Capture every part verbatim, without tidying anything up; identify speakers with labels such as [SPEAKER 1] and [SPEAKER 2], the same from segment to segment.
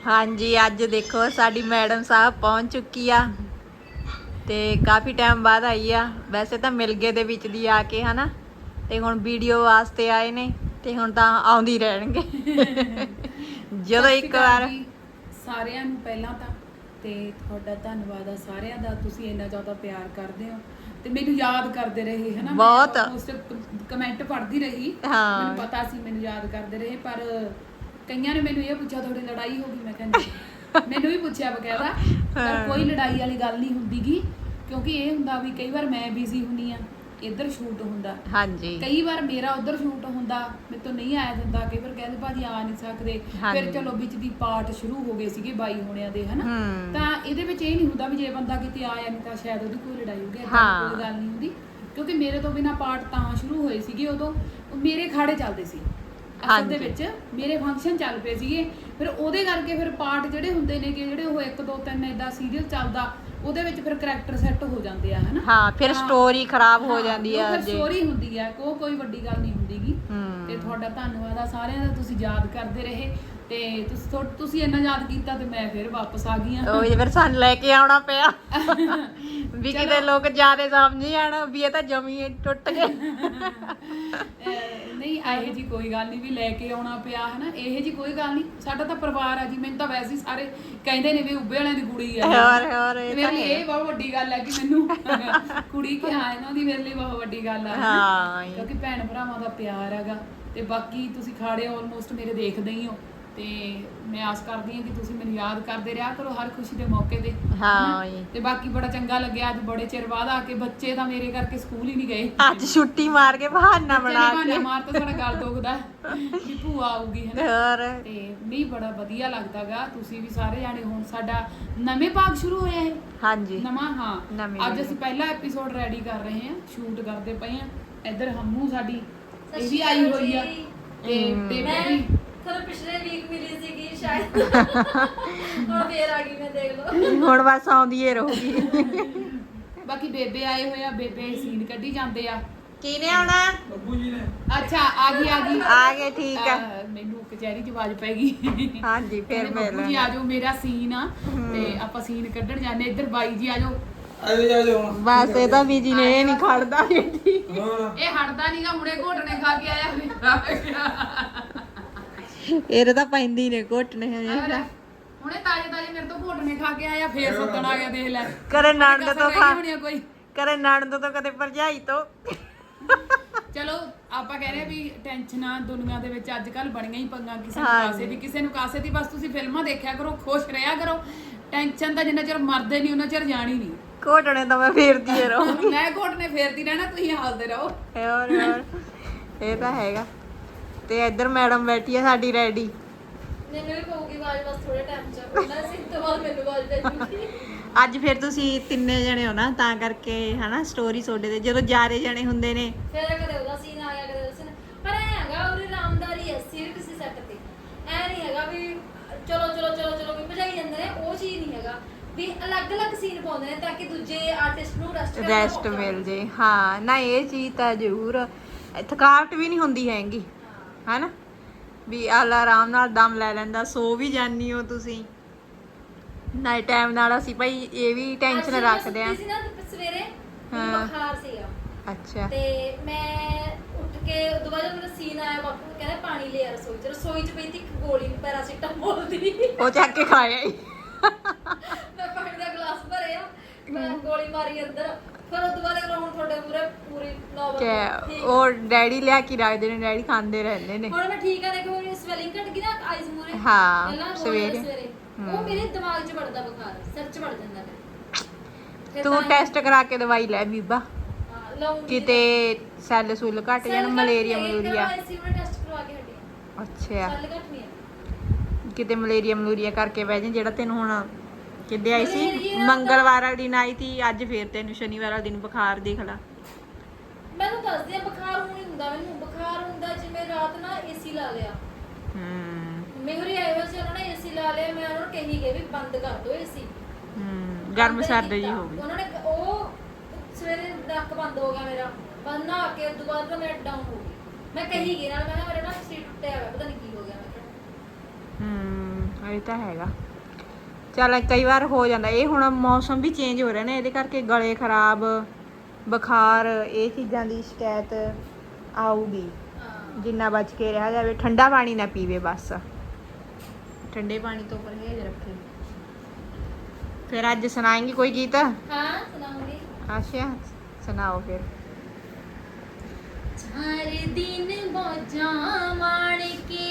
[SPEAKER 1] हाँ जी, अज देखो साडी मैडम साहब पहुंच चुकी आ ते काफ़ी टाइम बाद आई आ। वैसे तो मिल गए दे विच दी आके है ना, ते हुण वीडियो वास्ते आए ने ते हुण तां आउंदी रहणगे। ਜਦੋਂ ਇੱਕ ਵਾਰ
[SPEAKER 2] ਸਾਰਿਆਂ ਨੂੰ ਪਹਿਲਾਂ ਤਾਂ ਤੇ ਤੁਹਾਡਾ ਧੰਨਵਾਦ ਆ ਸਾਰਿਆਂ ਦਾ, ਤੁਸੀਂ ਇੰਨਾ ਜ਼ਿਆਦਾ ਪਿਆਰ ਕਰਦੇ ਹੋ ਤੇ ਮੈਨੂੰ ਯਾਦ ਕਰਦੇ ਰਹੇ ਹੈ ਨਾ।
[SPEAKER 1] ਬਹੁਤ
[SPEAKER 2] ਕਮੈਂਟ ਪੜ੍ਹਦੀ ਰਹੀ,
[SPEAKER 1] ਹਾਂ
[SPEAKER 2] ਮੈਨੂੰ ਪਤਾ ਸੀ ਮੈਨੂੰ ਯਾਦ ਕਰਦੇ ਰਹੇ। ਪਰ ਕਈਆਂ ਨੇ ਮੈਨੂੰ ਇਹ ਪੁੱਛਿਆ ਤੁਹਾਡੀ ਲੜਾਈ ਹੋ ਗਈ, ਮੈਂ ਕਹਿੰਦੀ ਮੈਨੂੰ ਵੀ ਪੁੱਛਿਆ ਬਕਾਇਦਾ, ਪਰ ਕੋਈ ਲੜਾਈ ਵਾਲੀ ਗੱਲ ਨਹੀਂ ਹੁੰਦੀਗੀ, ਕਿਉਂਕਿ ਇਹ ਹੁੰਦਾ ਵੀ ਕਈ ਵਾਰ ਮੈਂ ਬਿਜ਼ੀ ਹੁੰਦੀ ਆ, ਇੱਧਰ ਸ਼ੂਟ ਹੁੰਦਾ,
[SPEAKER 1] ਹਾਂਜੀ ਕਈ
[SPEAKER 2] ਕਈ ਵਾਰ ਮੇਰਾ ਉੱਧਰ ਸ਼ੂਟ ਹੁੰਦਾ, ਮੇਰੇ ਤੋਂ ਨਹੀਂ ਆਇਆ ਜਾਂਦਾ, ਕਈ ਵਾਰ ਕਹਿੰਦੇ ਭਾਜੀ ਆ ਨਹੀਂ ਸਕਦੇ। ਫਿਰ ਚਲੋ ਵਿੱਚ ਦੀ ਪਾਰਟ ਸ਼ੁਰੂ ਹੋ ਗਏ ਸੀਗੇ ਬਾਈ ਹੋਣਿਆਂ ਦੇ ਹਨਾ, ਤਾਂ ਇਹਦੇ ਵਿੱਚ ਇਹ ਨਹੀਂ ਹੁੰਦਾ ਵੀ ਜੇ ਬੰਦਾ ਕਿਤੇ ਆਇਆ ਨਹੀਂ ਤਾਂ ਸ਼ਾਇਦ ਉਹਦੀ ਕੋਈ ਲੜਾਈ ਹੋ ਗਈ, ਏਦਾਂ ਕੋਈ ਗੱਲ ਨਹੀਂ ਹੁੰਦੀ, ਕਿਉਂਕਿ ਮੇਰੇ ਤੋਂ ਬਿਨਾਂ ਪਾਰਟ ਤਾਂ ਸ਼ੁਰੂ ਹੋਏ ਸੀਗੇ, ਉਦੋਂ ਮੇਰੇ ਖਾੜੇ ਚੱਲਦੇ ਸੀ ਅਸਲ ਦੇ ਵਿੱਚ, ਮੇਰੇ ਫੰਕਸ਼ਨ ਚੱਲ ਪਏ ਸੀਗੇ, ਫਿਰ ਉਹਦੇ ਕਰਕੇ ਫਿਰ ਪਾਰਟ ਜਿਹੜੇ ਹੁੰਦੇ ਨੇ ਕਿ ਜਿਹੜੇ ਉਹ ਇੱਕ ਦੋ ਤਿੰਨ ਏਦਾਂ ਸੀਰੀਅਲ ਚੱਲਦਾ, ਉਹਦੇ ਵਿੱਚ ਫਿਰ ਕਰੈਕਟਰ ਸੈੱਟ ਹੋ ਜਾਂਦੇ ਆ ਹਨਾ। ਹਾਂ ਫਿਰ ਸਟੋਰੀ ਖਰਾਬ ਹੋ ਜਾਂਦੀ ਆ, ਫਿਰ ਸਟੋਰੀ ਹੁੰਦੀ ਆ, ਕੋ ਕੋਈ ਵੱਡੀ ਗੱਲ ਨਹੀਂ ਹੁੰਦੀਗੀ। ਤੇ ਤੁਹਾਡਾ ਧੰਨਵਾਦ ਆ ਸਾਰਿਆਂ ਦਾ, ਤੁਸੀਂ ਯਾਦ ਕਰਦੇ ਰਹੇ ਤੇ ਤੁਸੀਂ ਤੁਸੀਂ ਇੰਨਾ ਯਾਦ ਕੀਤਾ ਤੇ ਮੈਂ ਫਿਰ ਵਾਪਸ ਆ ਗਈ ਆ। ਉਹ ਫਿਰ ਸਾਨੂੰ ਲੈ ਕੇ ਆਉਣਾ ਪਿਆ ਵੀ ਕਿਤੇ ਲੋਕ ਜਿਆਦਾ ਸਮਝ ਜਾਣ ਵੀ ਇਹ ਤਾਂ ਜਮੀ ਟੁੱਟ ਗਏ। ਨਹੀਂ ਇਹੋ ਜੀ ਕੋਈ ਗੱਲ ਨਹੀਂ ਵੀ ਲੈ ਕੇ ਆਉਣਾ ਪਿਆ ਹਨਾ, ਇਹੋ ਜੀ ਕੋਈ ਗੱਲ ਨਹੀਂ, ਸਾਡਾ ਤਾਂ ਪਰਿਵਾਰ ਆ ਜੀ। ਮੈਨੂੰ ਤਾਂ ਵੈਸੇ ਹੀ ਸਾਰੇ ਕਹਿੰਦੇ ਨੇ ਵੀ ਉੱਬੇ ਵਾਲਿਆਂ ਦੀ ਕੁੜੀ ਆ, ਹੋਰ ਹੋਰ ਮੇਰੇ ਲਈ ਇਹ ਬਹੁਤ ਵੱਡੀ ਗੱਲ ਹੈ ਕਿ ਮੈਨੂੰ ਕੁੜੀ ਕਿਹਾ ਇਹਨਾਂ ਦੀ, ਮੇਰੇ ਲਈ ਬਹੁਤ ਵੱਡੀ ਗੱਲ ਆ ਹਾਂ, ਕਿਉਂਕਿ ਭੈਣ ਭਰਾਵਾਂ ਦਾ ਪਿਆਰ ਹੈਗਾ। ਤੇ ਬਾਕੀ ਤੁਸੀਂ ਖਾੜੇ ਆਲਮੋਸਟ ਮੇਰੇ ਦੇਖਦੇ ਹੀ ਹੋ, ਤੇ ਮੈਂ ਆਸ ਕਰਦੀ ਹਾਂ ਕਿ ਤੁਸੀਂ ਮੈਨੂੰ ਯਾਦ ਕਰਦੇ ਰਿਹਾ ਕਰੋ ਹਰ ਖੁਸ਼ੀ ਦੇ ਮੌਕੇ ਤੇ। ਹਾਂ ਤੇ ਬਾਕੀ ਬੜਾ ਚੰਗਾ ਲੱਗਿਆ ਅੱਜ ਬੜੇ ਚਿਰ ਬਾਅਦ ਆ ਕੇ, ਬੱਚੇ ਤਾਂ ਮੇਰੇ ਕਰਕੇ ਸਕੂਲ ਹੀ ਨਹੀਂ ਗਏ, ਅੱਜ ਛੁੱਟੀ ਮਾਰ ਕੇ ਬਹਾਨਾ ਬਣਾ ਕੇ ਬਹਾਨਾ ਮਾਰ ਤਾਂ ਸਾਡਾ ਗੱਲ ਦੁਖਦਾ ਕਿ ਭੂਆ ਆਊਗੀ ਹੈ ਨਾ। ਤੇ ਨਹੀਂ ਬੜਾ ਵਧੀਆ ਲੱਗਦਾਗਾ, ਤੁਸੀਂ ਵੀ ਸਾਰੇ ਜਾਣੇ। ਹੁਣ ਸਾਡਾ ਨਵੇਂ ਭਾਗ ਸ਼ੁਰੂ ਹੋਇਆ ਹੈ, ਹਾਂਜੀ ਨਵਾਂ, ਹਾਂ ਅੱਜ ਅਸੀਂ ਪਹਿਲਾ ਐਪੀਸੋਡ ਰੈਡੀ ਕਰ ਰਹੇ ਹਾਂ, ਸ਼ੂਟ ਕਰਦੇ ਪਏ ਹਾਂ। ਇੱਧਰ ਹੰਮੂ ਸਾਡੀ ਇਹ ਵੀ ਆਈ ਹੋਈ ਆ, ਤੇ ਬੇਬੇ ਵੀ
[SPEAKER 3] ਤੁਹਾਨੂੰ ਪਿਛਲੇ ਵੀਕ ਮਿਲੀ ਸੀਗੀ ਸ਼ਾਇਦ, ਹੁਣ ਫੇਰ ਆ ਗਈ ਮੈਂ, ਦੇਖ ਲਓ
[SPEAKER 1] ਹੁਣ ਬਸ ਆਉਂਦੀ ਏ ਰਹੂਗੀ।
[SPEAKER 2] ਬਾਕੀ ਬੇਬੇ ਆਏ ਹੋਏ ਆ, ਬੇਬੇ ਸੀਨ ਕੱਢੀ ਜਾਂਦੇ ਆ।
[SPEAKER 1] ਕਿਹਨੇ ਆਉਣਾ?
[SPEAKER 2] ਬੱਬੂ ਜੀ ਨੇ। ਅੱਛਾ ਆ ਗਈ ਆ ਗਈ
[SPEAKER 1] ਆ ਗਏ, ਠੀਕ ਆ।
[SPEAKER 2] ਮੈਨੂੰ ਕਚਹਿਰੀ ਚ ਆਵਾਜ਼ ਪੈ ਗਈ, ਹਾਂਜੀ ਫਿਰ ਬੱਬੂ ਜੀ ਆ ਜਾਓ, ਮੇਰਾ ਸੀਨ ਆ ਤੇ ਆਪਾਂ ਸੀਨ ਕੱਢਣ ਜਾਂਦੇ। ਇੱਧਰ ਬਾਈ ਜੀ ਆ ਜਾਓ।
[SPEAKER 1] ਬਸ ਇਹ ਤਾਂ ਬੀਜੀ ਨੇ ਇਹ ਨਹੀਂ ਖੜਦਾ,
[SPEAKER 2] ਇਹ ਹਟਦਾ ਨਹੀਂਗਾ, ਹੁਣੇ ਘੋਟਣੇ ਖਾ ਕੇ ਆਇਆ
[SPEAKER 1] ਇਹਦੇ ਤਾਂ ਪੈਂਦੀ ਨੇ ਘੋਟਣੇ ਹਜੇ,
[SPEAKER 2] ਹੁਣੇ ਤਾਜੇ ਤਾਜੇ ਮੇਰੇ ਤੋਂ ਘੋਟਣੇ ਖਾ ਕੇ ਆਇਆ, ਫੇਰ ਸੱਦਣ ਆ ਗਿਆ, ਦੇਖ ਲੈ।
[SPEAKER 1] ਕਰੇ ਨਣਦ ਤੋਂ ਖਾ
[SPEAKER 2] ਕੋਈ
[SPEAKER 1] ਕਰੇ ਨਣਦ ਤੋਂ ਕਦੇ ਭਰਜਾਈ ਤੋਂ।
[SPEAKER 2] ਚਲੋ ਆਪਾਂ ਕਹਿ ਰਹੇ ਵੀ ਟੈਨਸ਼ਨਾਂ ਦੁਨੀਆ ਦੇ ਵਿੱਚ ਅੱਜ ਕੱਲ ਬਣੀਆਂ ਹੀ ਪੰਗਾ, ਕਿਸੇ ਨੂੰ ਕਾਸੇ ਦੀ ਕਿਸੇ ਨੂੰ ਕਾਸੇ ਦੀ। ਬਸ ਤੁਸੀਂ ਫਿਲਮਾਂ ਦੇਖਿਆ ਕਰੋ, ਖੁਸ਼ ਰਿਹਾ ਕਰੋ, ਟੈਨਸ਼ਨ ਤਾਂ ਜਿੰਨਾ ਚਿਰ ਮਰਦੇ ਨਹੀਂ ਉਹਨਾਂ ਚਿਰ ਜਾਣੀ ਨਹੀਂ।
[SPEAKER 1] ਘੋਟਣੇ ਤਾਂ ਮੈਂ ਫੇਰਦੀ ਰਹੂੰਗੀ,
[SPEAKER 2] ਮੈਂ ਘੋਟਣੇ ਫੇਰਦੀ ਰਹਿਣਾ, ਤੁਸੀਂ ਹੱਸਦੇ ਰਹੋ।
[SPEAKER 1] ਹੋਰ ਹੋਰ ਇਹ ਤਾਂ ਹੈਗਾ। ਤੇ ਇੱਧਰ ਮੈਡਮ ਬੈਠੀ ਆ ਸਾਡੀ ਰੈਡੀ,
[SPEAKER 3] ਮੈਨੂੰ ਵੀ ਪਊਗੀ ਆਵਾਜ਼ ਬਸ ਥੋੜੇ ਟਾਈਮ ਚ, ਉਹਨਾਂ ਸੀ ਤੋਂ ਬਾਅਦ ਮੈਨੂੰ ਆਵਾਜ਼ ਭੇਜੂਗੀ।
[SPEAKER 1] ਅੱਜ ਫਿਰ ਤੁਸੀਂ ਤਿੰਨੇ ਜਣੇ ਹੋ ਨਾ, ਤਾਂ ਕਰਕੇ ਹਨਾ ਸਟੋਰੀ ਤੁਹਾਡੇ ਤੇ ਜਦੋਂ ਜਾਰੇ ਜਣੇ ਹੁੰਦੇ ਨੇ
[SPEAKER 3] ਫਿਰ ਕਦੇ ਉਹਦਾ ਸੀਨ ਆ ਗਿਆ, ਕਦੇ ਉਹਦਾ ਸੀਨ। ਪਰ ਐ ਹੈਗਾ ਉਹਦੀ ਰਾਮਦਾਰੀ ਹੈ ਸਿਰ ਕਿਸੇ ਸੈੱਟ ਤੇ, ਐ ਨਹੀਂ ਹੈਗਾ ਵੀ ਚਲੋ ਚਲੋ ਚਲੋ ਚਲੋ ਵੀ ਭਜਾਈ ਜਾਂਦੇ ਨੇ, ਉਹ ਚੀਜ਼ ਨਹੀਂ ਹੈਗਾ ਵੀ ਅਲੱਗ-ਅਲੱਗ ਸੀਨ ਪਾਉਂਦੇ ਨੇ ਤਾਂ ਕਿ ਦੂਜੇ ਆਰਟਿਸਟ ਨੂੰ ਰੈਸਟ
[SPEAKER 1] ਰੈਸਟ ਮਿਲ ਜੇ। ਹਾਂ ਨਾ ਇਹ ਚੀਜ਼ ਤਾਂ ਜ਼ਰੂਰ, ਥਕਾਵਟ ਵੀ ਨਹੀਂ ਹੁੰਦੀ ਹੈਗੀ ਹਨਾ, ਵੀ ਆਲਾ ਆਰਾਮ ਨਾਲ ਦਮ ਲੈ ਲੈਂਦਾ। ਸੋ ਵੀ ਜਾਨੀ ਹੋ ਤੁਸੀਂ ਨਾ ਟਾਈਮ ਨਾਲ, ਅਸੀਂ ਭਾਈ ਇਹ ਵੀ ਟੈਨਸ਼ਨ ਰੱਖਦੇ ਆ।
[SPEAKER 3] ਸਵੇਰੇ ਬੁਖਾਰ ਸੀਗਾ,
[SPEAKER 1] ਅੱਛਾ, ਤੇ
[SPEAKER 3] ਮੈਂ ਉੱਠ ਕੇ ਉਦੋਂ ਬਾਅਦ ਮੇਰਾ ਸੀਨ ਆਇਆ, ਬਾਪੂ ਕਹਿੰਦਾ ਪਾਣੀ ਲਿਆ ਰਸੋਈ ਚ, ਰਸੋਈ ਚ ਪਈ ਤੀ ਇੱਕ ਗੋਲੀ ਪੈਰਾਸੀਟਾਮੋਲ ਦੀ,
[SPEAKER 1] ਉਹ ਚੱਕ ਕੇ ਖਾਇਆ ਹੀ।
[SPEAKER 3] ਮੈਂ ਪਾਣੀ ਦਾ ਗਲਾਸ ਭਰਿਆ, ਮੈਂ ਗੋਲੀ ਮਾਰੀ ਅੰਦਰ, ਫਿਰ ਉਦੋਂ ਬਾਅਦ ਹੁਣ ਤੁਹਾਡੇ ਪੂਰੇ ਪੂਰੀ ਨੌਬਤ
[SPEAKER 1] ਉਹ ਡੈਡੀ ਲਿਆ ਕੇ ਰੱਖਦੇ ਨੇ, ਡੈਡੀ ਖਾਂਦੇ ਰਹਿੰਦੇ ਨੇ।
[SPEAKER 3] ਹੁਣ ਮੈਂ ਠੀਕ ਆ, ਦੇਖੋ ਮੇਰੀ ਸਵੈਲਿੰਗ ਘਟ ਗਈ ਨਾ ਆਈਜ਼ ਮੂਰੇ,
[SPEAKER 1] ਹਾਂ ਸਵੇਰੇ
[SPEAKER 3] ਉਹ ਮੇਰੇ ਦਿਮਾਗ 'ਚ ਵੜਦਾ ਬੁਖਾਰ, ਸਿਰ 'ਚ ਵੜ ਜਾਂਦਾ ਫਿਰ।
[SPEAKER 1] ਤੂੰ ਟੈਸਟ ਕਰਾ ਕੇ ਦਵਾਈ ਲੈ ਬੀਬਾ, ਕਿਤੇ ਸੈੱਲ ਸੁੱਲ ਘਟ ਜਾਣ, ਮਲੇਰੀਆ ਮਲੂਰੀਆ।
[SPEAKER 3] ਟੈਸਟ ਕਰਵਾ ਕੇ ਹਟੀ,
[SPEAKER 1] ਅੱਛਾ
[SPEAKER 3] ਸੈੱਲ ਘਟ ਨਹੀਂ,
[SPEAKER 1] ਕਿਤੇ ਮਲੇਰੀਆ ਮਲੂਰੀਆ ਕਰਕੇ ਬਹਿ ਜਾ, ਜਿਹੜਾ ਤੈਨੂੰ ਹੁਣ ਕਿੱਦੇ ਆਈ ਸੀ ਮੰਗਲਵਾਰ ਵਾਲੇ ਦਿਨ ਆਈ ਸੀ, ਅੱਜ ਫੇਰ ਤੈਨੂੰ ਸ਼ਨੀਵਾਰ ਵਾਲੇ ਦਿਨ ਬੁਖਾਰ ਦੇਖ ਲਾ।
[SPEAKER 3] ਮੈਨੂੰ ਦੱਸਦੇ ਆ ਬੁਖਾਰ ਹੁਣ ਨਹੀਂ ਹੁੰਦਾ, ਮੈਨੂੰ ਬੁਖਾਰ ਹੁੰਦਾ ਜਿਵੇਂ ਰਾਤ ਨਾ ਏਸੀ ਲਾ ਲਿਆ।
[SPEAKER 1] ਹੂੰ
[SPEAKER 3] ਮੇਹਰੀ ਆਏ ਹੋਏ ਸੀ, ਉਹਨਾਂ ਨੇ ਏਸੀ ਲਾ ਲਿਆ, ਮੈਂ ਉਹਨਾਂ ਨੂੰ ਕਹੀ ਗਈ ਵੀ ਬੰਦ ਕਰ ਦਿਓ ਏਸੀ।
[SPEAKER 1] ਹੂੰ ਗਰਮ ਸਰਦ ਜੀ ਹੋ ਗਈ
[SPEAKER 3] ਉਹਨਾਂ ਨੇ, ਉਹ ਸਵੇਰੇ ਨੱਕ ਬੰਦ ਹੋ ਗਿਆ ਮੇਰਾ, ਬੰਦ ਨਾ ਕੇ ਉਸ ਤੋਂ ਬਾਅਦ ਤਾਂ ਮੈਂ ਡਾਊਨ ਹੋ ਗਈ। ਮੈਂ ਕਹੀ ਗਈ ਨਾਲ, ਮੈਂ ਕਿਹਾ ਮੇਰੇ ਨਾ ਸੀਟ ਟੁੱਟਿਆ ਹੋਇਆ, ਪਤਾ ਨਹੀਂ ਕੀ ਹੋ ਗਿਆ। ਮੈਂ ਕਿਹਾ
[SPEAKER 1] ਹੂੰ ਇਹ ਤਾਂ ਹੈਗਾ। ਚੱਲ ਕਈ ਵਾਰ ਹੋ ਜਾਂਦਾ ਇਹ, ਹੁਣ ਮੌਸਮ ਵੀ ਚੇਂਜ ਹੋ ਰਿਹਾ ਨਾ, ਇਹਦੇ ਕਰਕੇ ਗਲੇ ਖਰਾਬ, ਬੁਖਾਰ, ਇਹ ਚੀਜ਼ਾਂ ਦੀ ਸ਼ਿਕਾਇਤ ਆਊਗੀ। ਜਿੰਨਾ ਬਚ ਕੇ ਰਿਹਾ ਜਾਵੇ, ਠੰਡਾ ਪਾਣੀ ਨਾ ਪੀਵੇ, ਬਸ ਠੰਡੇ ਪਾਣੀ ਤੋਂ ਪਰਹੇਜ਼ ਰੱਖੇ। ਫਿਰ ਅੱਜ ਸੁਣਾਏਂਗੀ ਕੋਈ ਗੀਤ?
[SPEAKER 3] ਹਾਂ ਸੁਣਾਉਂਗੀ।
[SPEAKER 1] ਅੱਛਾ ਸੁਣਾਓ ਫਿਰ।
[SPEAKER 3] ਚਾਰ ਦਿਨ ਮੌਜਾਂ ਮਾਣ ਕੇ,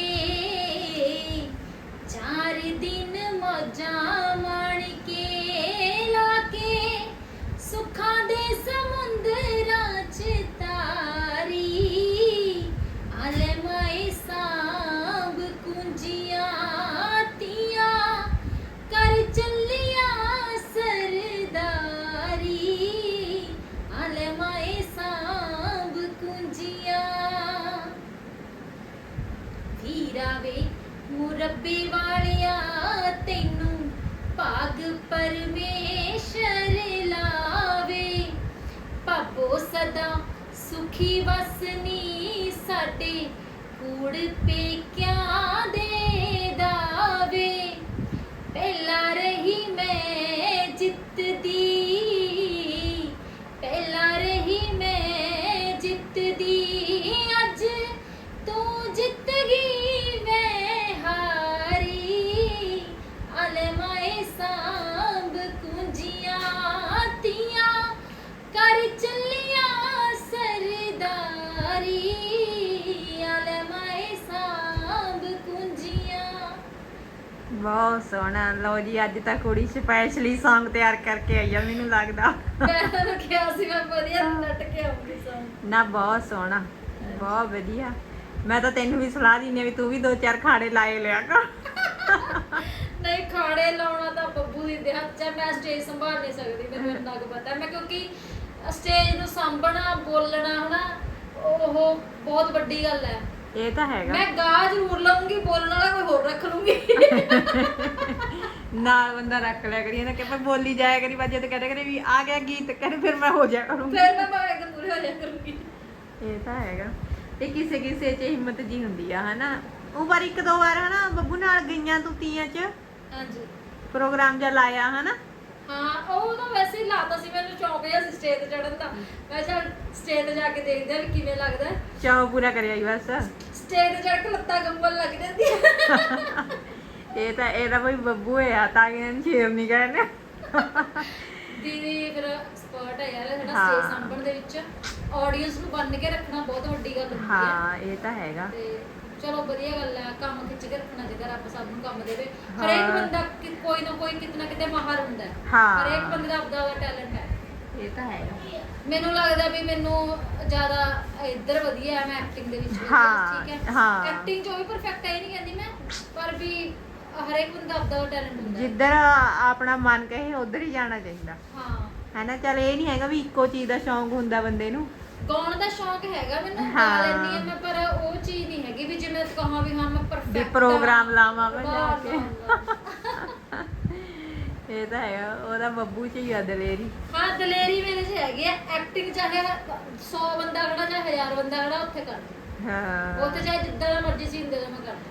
[SPEAKER 3] ਚਾਰ ਦਿਨ ਮੌਜਾਂ ਮਾਣ ਕੇ, ਲਾ ਕੇ ਸੁੱਖਾਂ ਦੇ ਸਮੁੰਦਰਾਂ ਚ ਤਾਰੀ, ਆਲੇ ਮਾਏ ਸਾਂਭ ਕੁੰਜੀਆਂ ਤੀਆਂ, ਕਰ ਚੱਲਿਆ ਸਰਦਾਰੀ, ਆਲੇ ਮਾਏ ਸਾਂਭ ਕੁੰਜੀਆਂ। ਵੀਰਾ ਵੇ ਮੁਰੱਬੇ ਵਾਲਿਆ, ਤੈਨੂੰ ਭਾਗ ਪਰਮੇਸ਼ਰ ਲਾਵੇ, ਭਾਬੋ ਸਦਾ ਸੁਖੀ ਵਸਨੀ, ਸਾਡੇ ਕੂੜ ਪੇਕਿਆਂ ਦੇ ਦਾਵੇ, ਪਹਿਲਾਂ ਰਹੀ ਮੈਂ ਜਿੱਤਦੀ, ਪਹਿਲਾਂ ਰਹੀ ਮੈਂ ਜਿੱਤਦੀ, ਅੱਜ ਤੂੰ ਜਿੱਤ ਗਈ ਮੈਂ ਹਾਰੀ, ਆਲੇ ਮਾਏ ਸਾਂਭ ਕੁੰਜੀਆਂ ਤੀਆਂ, ਕਰ ਚੱਲਿਆ ਸਰਦਾਰੀ, ਆਲੇ ਮਾਏ ਸਾਂਭ ਕੁੰਜੀਆਂ।
[SPEAKER 1] ਬਹੁਤ ਸੋਹਣਾ। ਲਓ ਜੀ ਅੱਜ ਤਾਂ ਕੁੜੀ ਸਪੈਸ਼ਲੀ Song ਤਿਆਰ ਕਰਕੇ ਆਈ ਆ, ਮੈਨੂੰ ਲੱਗਦਾ।
[SPEAKER 3] ਮੈਂ ਤਾਂ ਕਿਹਾ ਸੀ ਮੈਂ ਵਧੀਆ ਨੱਟ ਕੇ ਆਉਂਗੀ ਸੌਂਗ।
[SPEAKER 1] ਨਾ ਬਹੁਤ ਸੋਹਣਾ, ਬਹੁਤ ਵਧੀਆ। ਮੈਂ ਤਾਂ ਤੈਨੂੰ ਵੀ ਸਲਾਹ ਦਿੰਦੀ ਆ ਵੀ ਤੂੰ ਵੀ ਦੋ ਚਾਰ ਖਾੜੇ ਲਾਏ ਲਿਆ ਕਰ।
[SPEAKER 3] ਨਹੀਂ ਖਾੜੇ ਲਾਉਣਾ ਤਾਂ ਬੱਬੂ ਦੀ ਦੇ ਹੱਥ 'ਚ ਹੈ, ਮੈਂ ਸਟੇਜ ਸੰਭਾਲ ਨਹੀਂ ਸਕਦੀ, ਮੈਨੂੰ ਇੰਨਾ ਕੁ ਪਤਾ। ਮੈਂ ਕਿਉਂਕਿ ਸਟੇਜ ਨੂੰ ਸਾਂਭਣਾ, ਬੋਲਣਾ ਹਨਾ, ਉਹ ਬਹੁਤ ਵੱਡੀ ਗੱਲ ਹੈ।
[SPEAKER 1] ਇਹ ਤਾਂ ਹੈਗਾ।
[SPEAKER 3] ਮੈਂ ਗਾ ਜ਼ਰੂਰ ਲਵਾਂਗੀ, ਬੋਲਣ ਵਾਲਾ ਕੋਈ ਹੋਰ ਰੱਖ ਲੂੰਗੀ।
[SPEAKER 1] ਨਾਲ ਬੰਦਾ ਰੱਖ ਲਿਆ ਕਰੀ ਨਾ ਕਿ ਪਰ ਬੋਲੀ ਜਾਇਆ ਕਰੀ, ਬਾਜੇ ਤੇ ਕਹਿੰਦੇ ਕਰੇ ਵੀ ਆ ਗਿਆ ਗੀਤ, ਕਹਿੰਦੇ ਫਿਰ ਮੈਂ ਹੋ ਜਾਇਆ ਕਰੂੰਗੀ।
[SPEAKER 3] ਫਿਰ ਮੈਂ ਬਾਹਰ ਇੱਕਦਮ ਪੂਰੇ ਹੋ ਜਾਇਆ ਕਰੂੰਗੀ।
[SPEAKER 1] ਇਹ ਤਾਂ ਹੈਗਾ। ਇਹ ਕਿਸੇ ਕਿਸੇ 'ਚ ਹਿੰਮਤ ਜੀ ਹੁੰਦੀ ਆ ਹਨਾ। ਉਹ ਵਾਰ ਇੱਕ ਦੋ ਵਾਰ ਹਨਾ ਬੱਬੂ ਨਾਲ ਗਈਆਂ ਤੂੰ ਤੀਆਂ 'ਚ
[SPEAKER 3] ਹਾਂਜੀ
[SPEAKER 1] ਪ੍ਰੋਗਰਾਮ ਜਿਹਾ ਲਾਇਆ ਹਨਾ।
[SPEAKER 3] ਹਾਂ ਉਹ ਤਾਂ ਵੈਸੇ ਹੀ ਲਾਤਾ ਸੀ, ਮੈਨੂੰ ਸ਼ੌਕ ਜਿਹਾ ਸੀ ਸਟੇਜ ਤੇ ਚੜਨ ਦਾ। ਮੈਂ ਚੱਲ ਸਟੇਜ ਤੇ ਜਾ ਕੇ ਦੇਖਦੇ ਆ ਵੀ ਕਿਵੇਂ ਲੱਗਦਾ।
[SPEAKER 1] ਚਾਅ ਪੂਰਾ ਕਰਿਆ ਹੀ ਬਸ।
[SPEAKER 3] ਸਟੇਜ ਤੇ ਚੜ ਕੇ ਲੱਤਾਂ ਕੰਬਣ ਲੱਗ ਜਾਂਦੀਆਂ।
[SPEAKER 1] ਇਹ ਤਾਂ ਇਹਦਾ ਕੋਈ ਬੱਬੂ ਹੈ ਤਾਂ ਕਿ ਇਹਨੂੰ ਸ਼ੇਰ ਨਹੀਂ ਕਹਿੰਦੇ।
[SPEAKER 3] ਦੀਦੀ ਫਿਰ ਐਕਸਪਰਟ ਹੈ ਯਾਰ ਸਾਡਾ
[SPEAKER 1] ਹਾਂ।
[SPEAKER 3] ਸਟੇਜ ਸਾਂਭਣ ਦੇ ਵਿੱਚ। ਆਡੀਅנס ਨੂੰ ਬੰਨ ਕੇ ਰੱਖਣਾ ਬਹੁਤ ਵੱਡੀ ਗੱਲ ਹੁੰਦੀ ਹੈ।
[SPEAKER 1] ਹਾਂ ਇਹ ਤਾਂ ਹੈਗਾ।
[SPEAKER 3] ਤੇ ਚਲੋ ਵਧੀਆ ਗੱਲ ਹੈ, ਕੰਮ ਖਿੱਚ ਕੇ ਰੱਖਣਾ ਚਾਹੀਦਾ, ਰੱਬ ਸਭ ਨੂੰ ਕੰਮ ਦੇਵੇ।
[SPEAKER 1] ਹਾਂ।
[SPEAKER 3] ਹਰੇਕ ਬੰਦਾ ਕਿ- ਕੋਈ ਨਾ ਕੋਈ ਕਿਤੇ ਨਾ ਕਿਤੇ ਮਾਹਰ ਹੁੰਦਾ ਹੈ।
[SPEAKER 1] ਹਾਂ।
[SPEAKER 3] ਹਰੇਕ ਬੰਦੇ ਦਾ ਆਪਦਾ ਆਪਦਾ ਟੈਲੈਂਟ ਹੈ।
[SPEAKER 1] ਇਹ ਤਾਂ ਹੈਗਾ।
[SPEAKER 3] ਮੈਨੂੰ ਲੱਗਦਾ ਵੀ ਮੈਨੂੰ ਜ਼ਿਆਦਾ ਇੱਧਰ ਵਧੀਆ ਹੈ, ਮੈਂ ਐਕਟਿੰਗ ਦੇ ਵਿੱਚ ਵਧੀਆ,
[SPEAKER 1] ਹਾਂ,
[SPEAKER 3] ਠੀਕ ਹੈ।
[SPEAKER 1] ਹਾਂ।
[SPEAKER 3] ਐਕਟਿੰਗ 'ਚ ਉਹ ਵੀ ਪਰਫੈਕਟ ਹੈ, ਇਹ ਨਹੀਂ ਕਹਿੰਦੀ ਮੈਂ, ਪਰ ਵੀ ਹਰੇਕ ਬੰਦਾ ਆਪਦਾ ਟੈਲੈਂਟ ਹੁੰਦਾ ਹੈ।
[SPEAKER 1] ਜਿੱਧਰ ਆਪਣਾ ਮਨ ਕਹੇ ਉਧਰ ਹੀ ਜਾਣਾ ਚਾਹੀਦਾ
[SPEAKER 3] ਹਾਂ
[SPEAKER 1] ਹੈਨਾ। ਚੱਲ ਇਹ ਨਹੀਂ ਹੈਗਾ ਵੀ ਇੱਕੋ ਚੀਜ਼ ਦਾ ਸ਼ੌਂਕ ਹੁੰਦਾ ਬੰਦੇ ਨੂੰ।
[SPEAKER 3] ਗਾਉਣ ਦਾ ਸ਼ੌਂਕ ਹੈਗਾ ਮੈਨੂੰ, ਗਾ
[SPEAKER 1] ਹਾਂ।
[SPEAKER 3] ਲੈਂਦੀ ਹਾਂ ਮੈਂ, ਪਰ ਉਹ ਚੀਜ਼ ਨਹੀਂ ਹੈਗੀ ਵੀ ਜਿਵੇਂ ਕਹਾਂ ਵੀ ਹਾਂ ਮੈਂ
[SPEAKER 1] ਵੀ
[SPEAKER 3] ਪਰਫੈਕਟ
[SPEAKER 1] ਪ੍ਰੋਗਰਾਮ ਲਾਵਾਂ ਮੈਂ ਜਾ
[SPEAKER 3] ਨਾ,
[SPEAKER 1] ਕੇ।
[SPEAKER 3] ਨਾ, ਨਾ।
[SPEAKER 1] ਇਹ ਤਾਂ ਹੈਗਾ। ਉਹਦਾ ਬੱਬੂ ਚ ਹੀ ਆ ਦਲੇਰੀ।
[SPEAKER 3] ਹਾਂ ਦਲੇਰੀ ਮੇਰੇ 'ਚ ਹੈਗੀ ਹੈ। ਐਕਟਿੰਗ ਚਾਹੇ ਸੌ ਬੰਦਾ ਖੜਾ ਚਾਹੇ ਹਜ਼ਾਰ ਬੰਦਾ ਖੜਾ ਉੱਥੇ ਕਰ ਦੇ।
[SPEAKER 1] ਹਾਂ
[SPEAKER 3] ਉੱਥੇ ਚਾਹੇ ਜਿੱਦਾਂ ਦਾ ਮਰਜ਼ੀ ਸੀਨ ਦੇ ਦੇ ਮੈਂ ਕਰ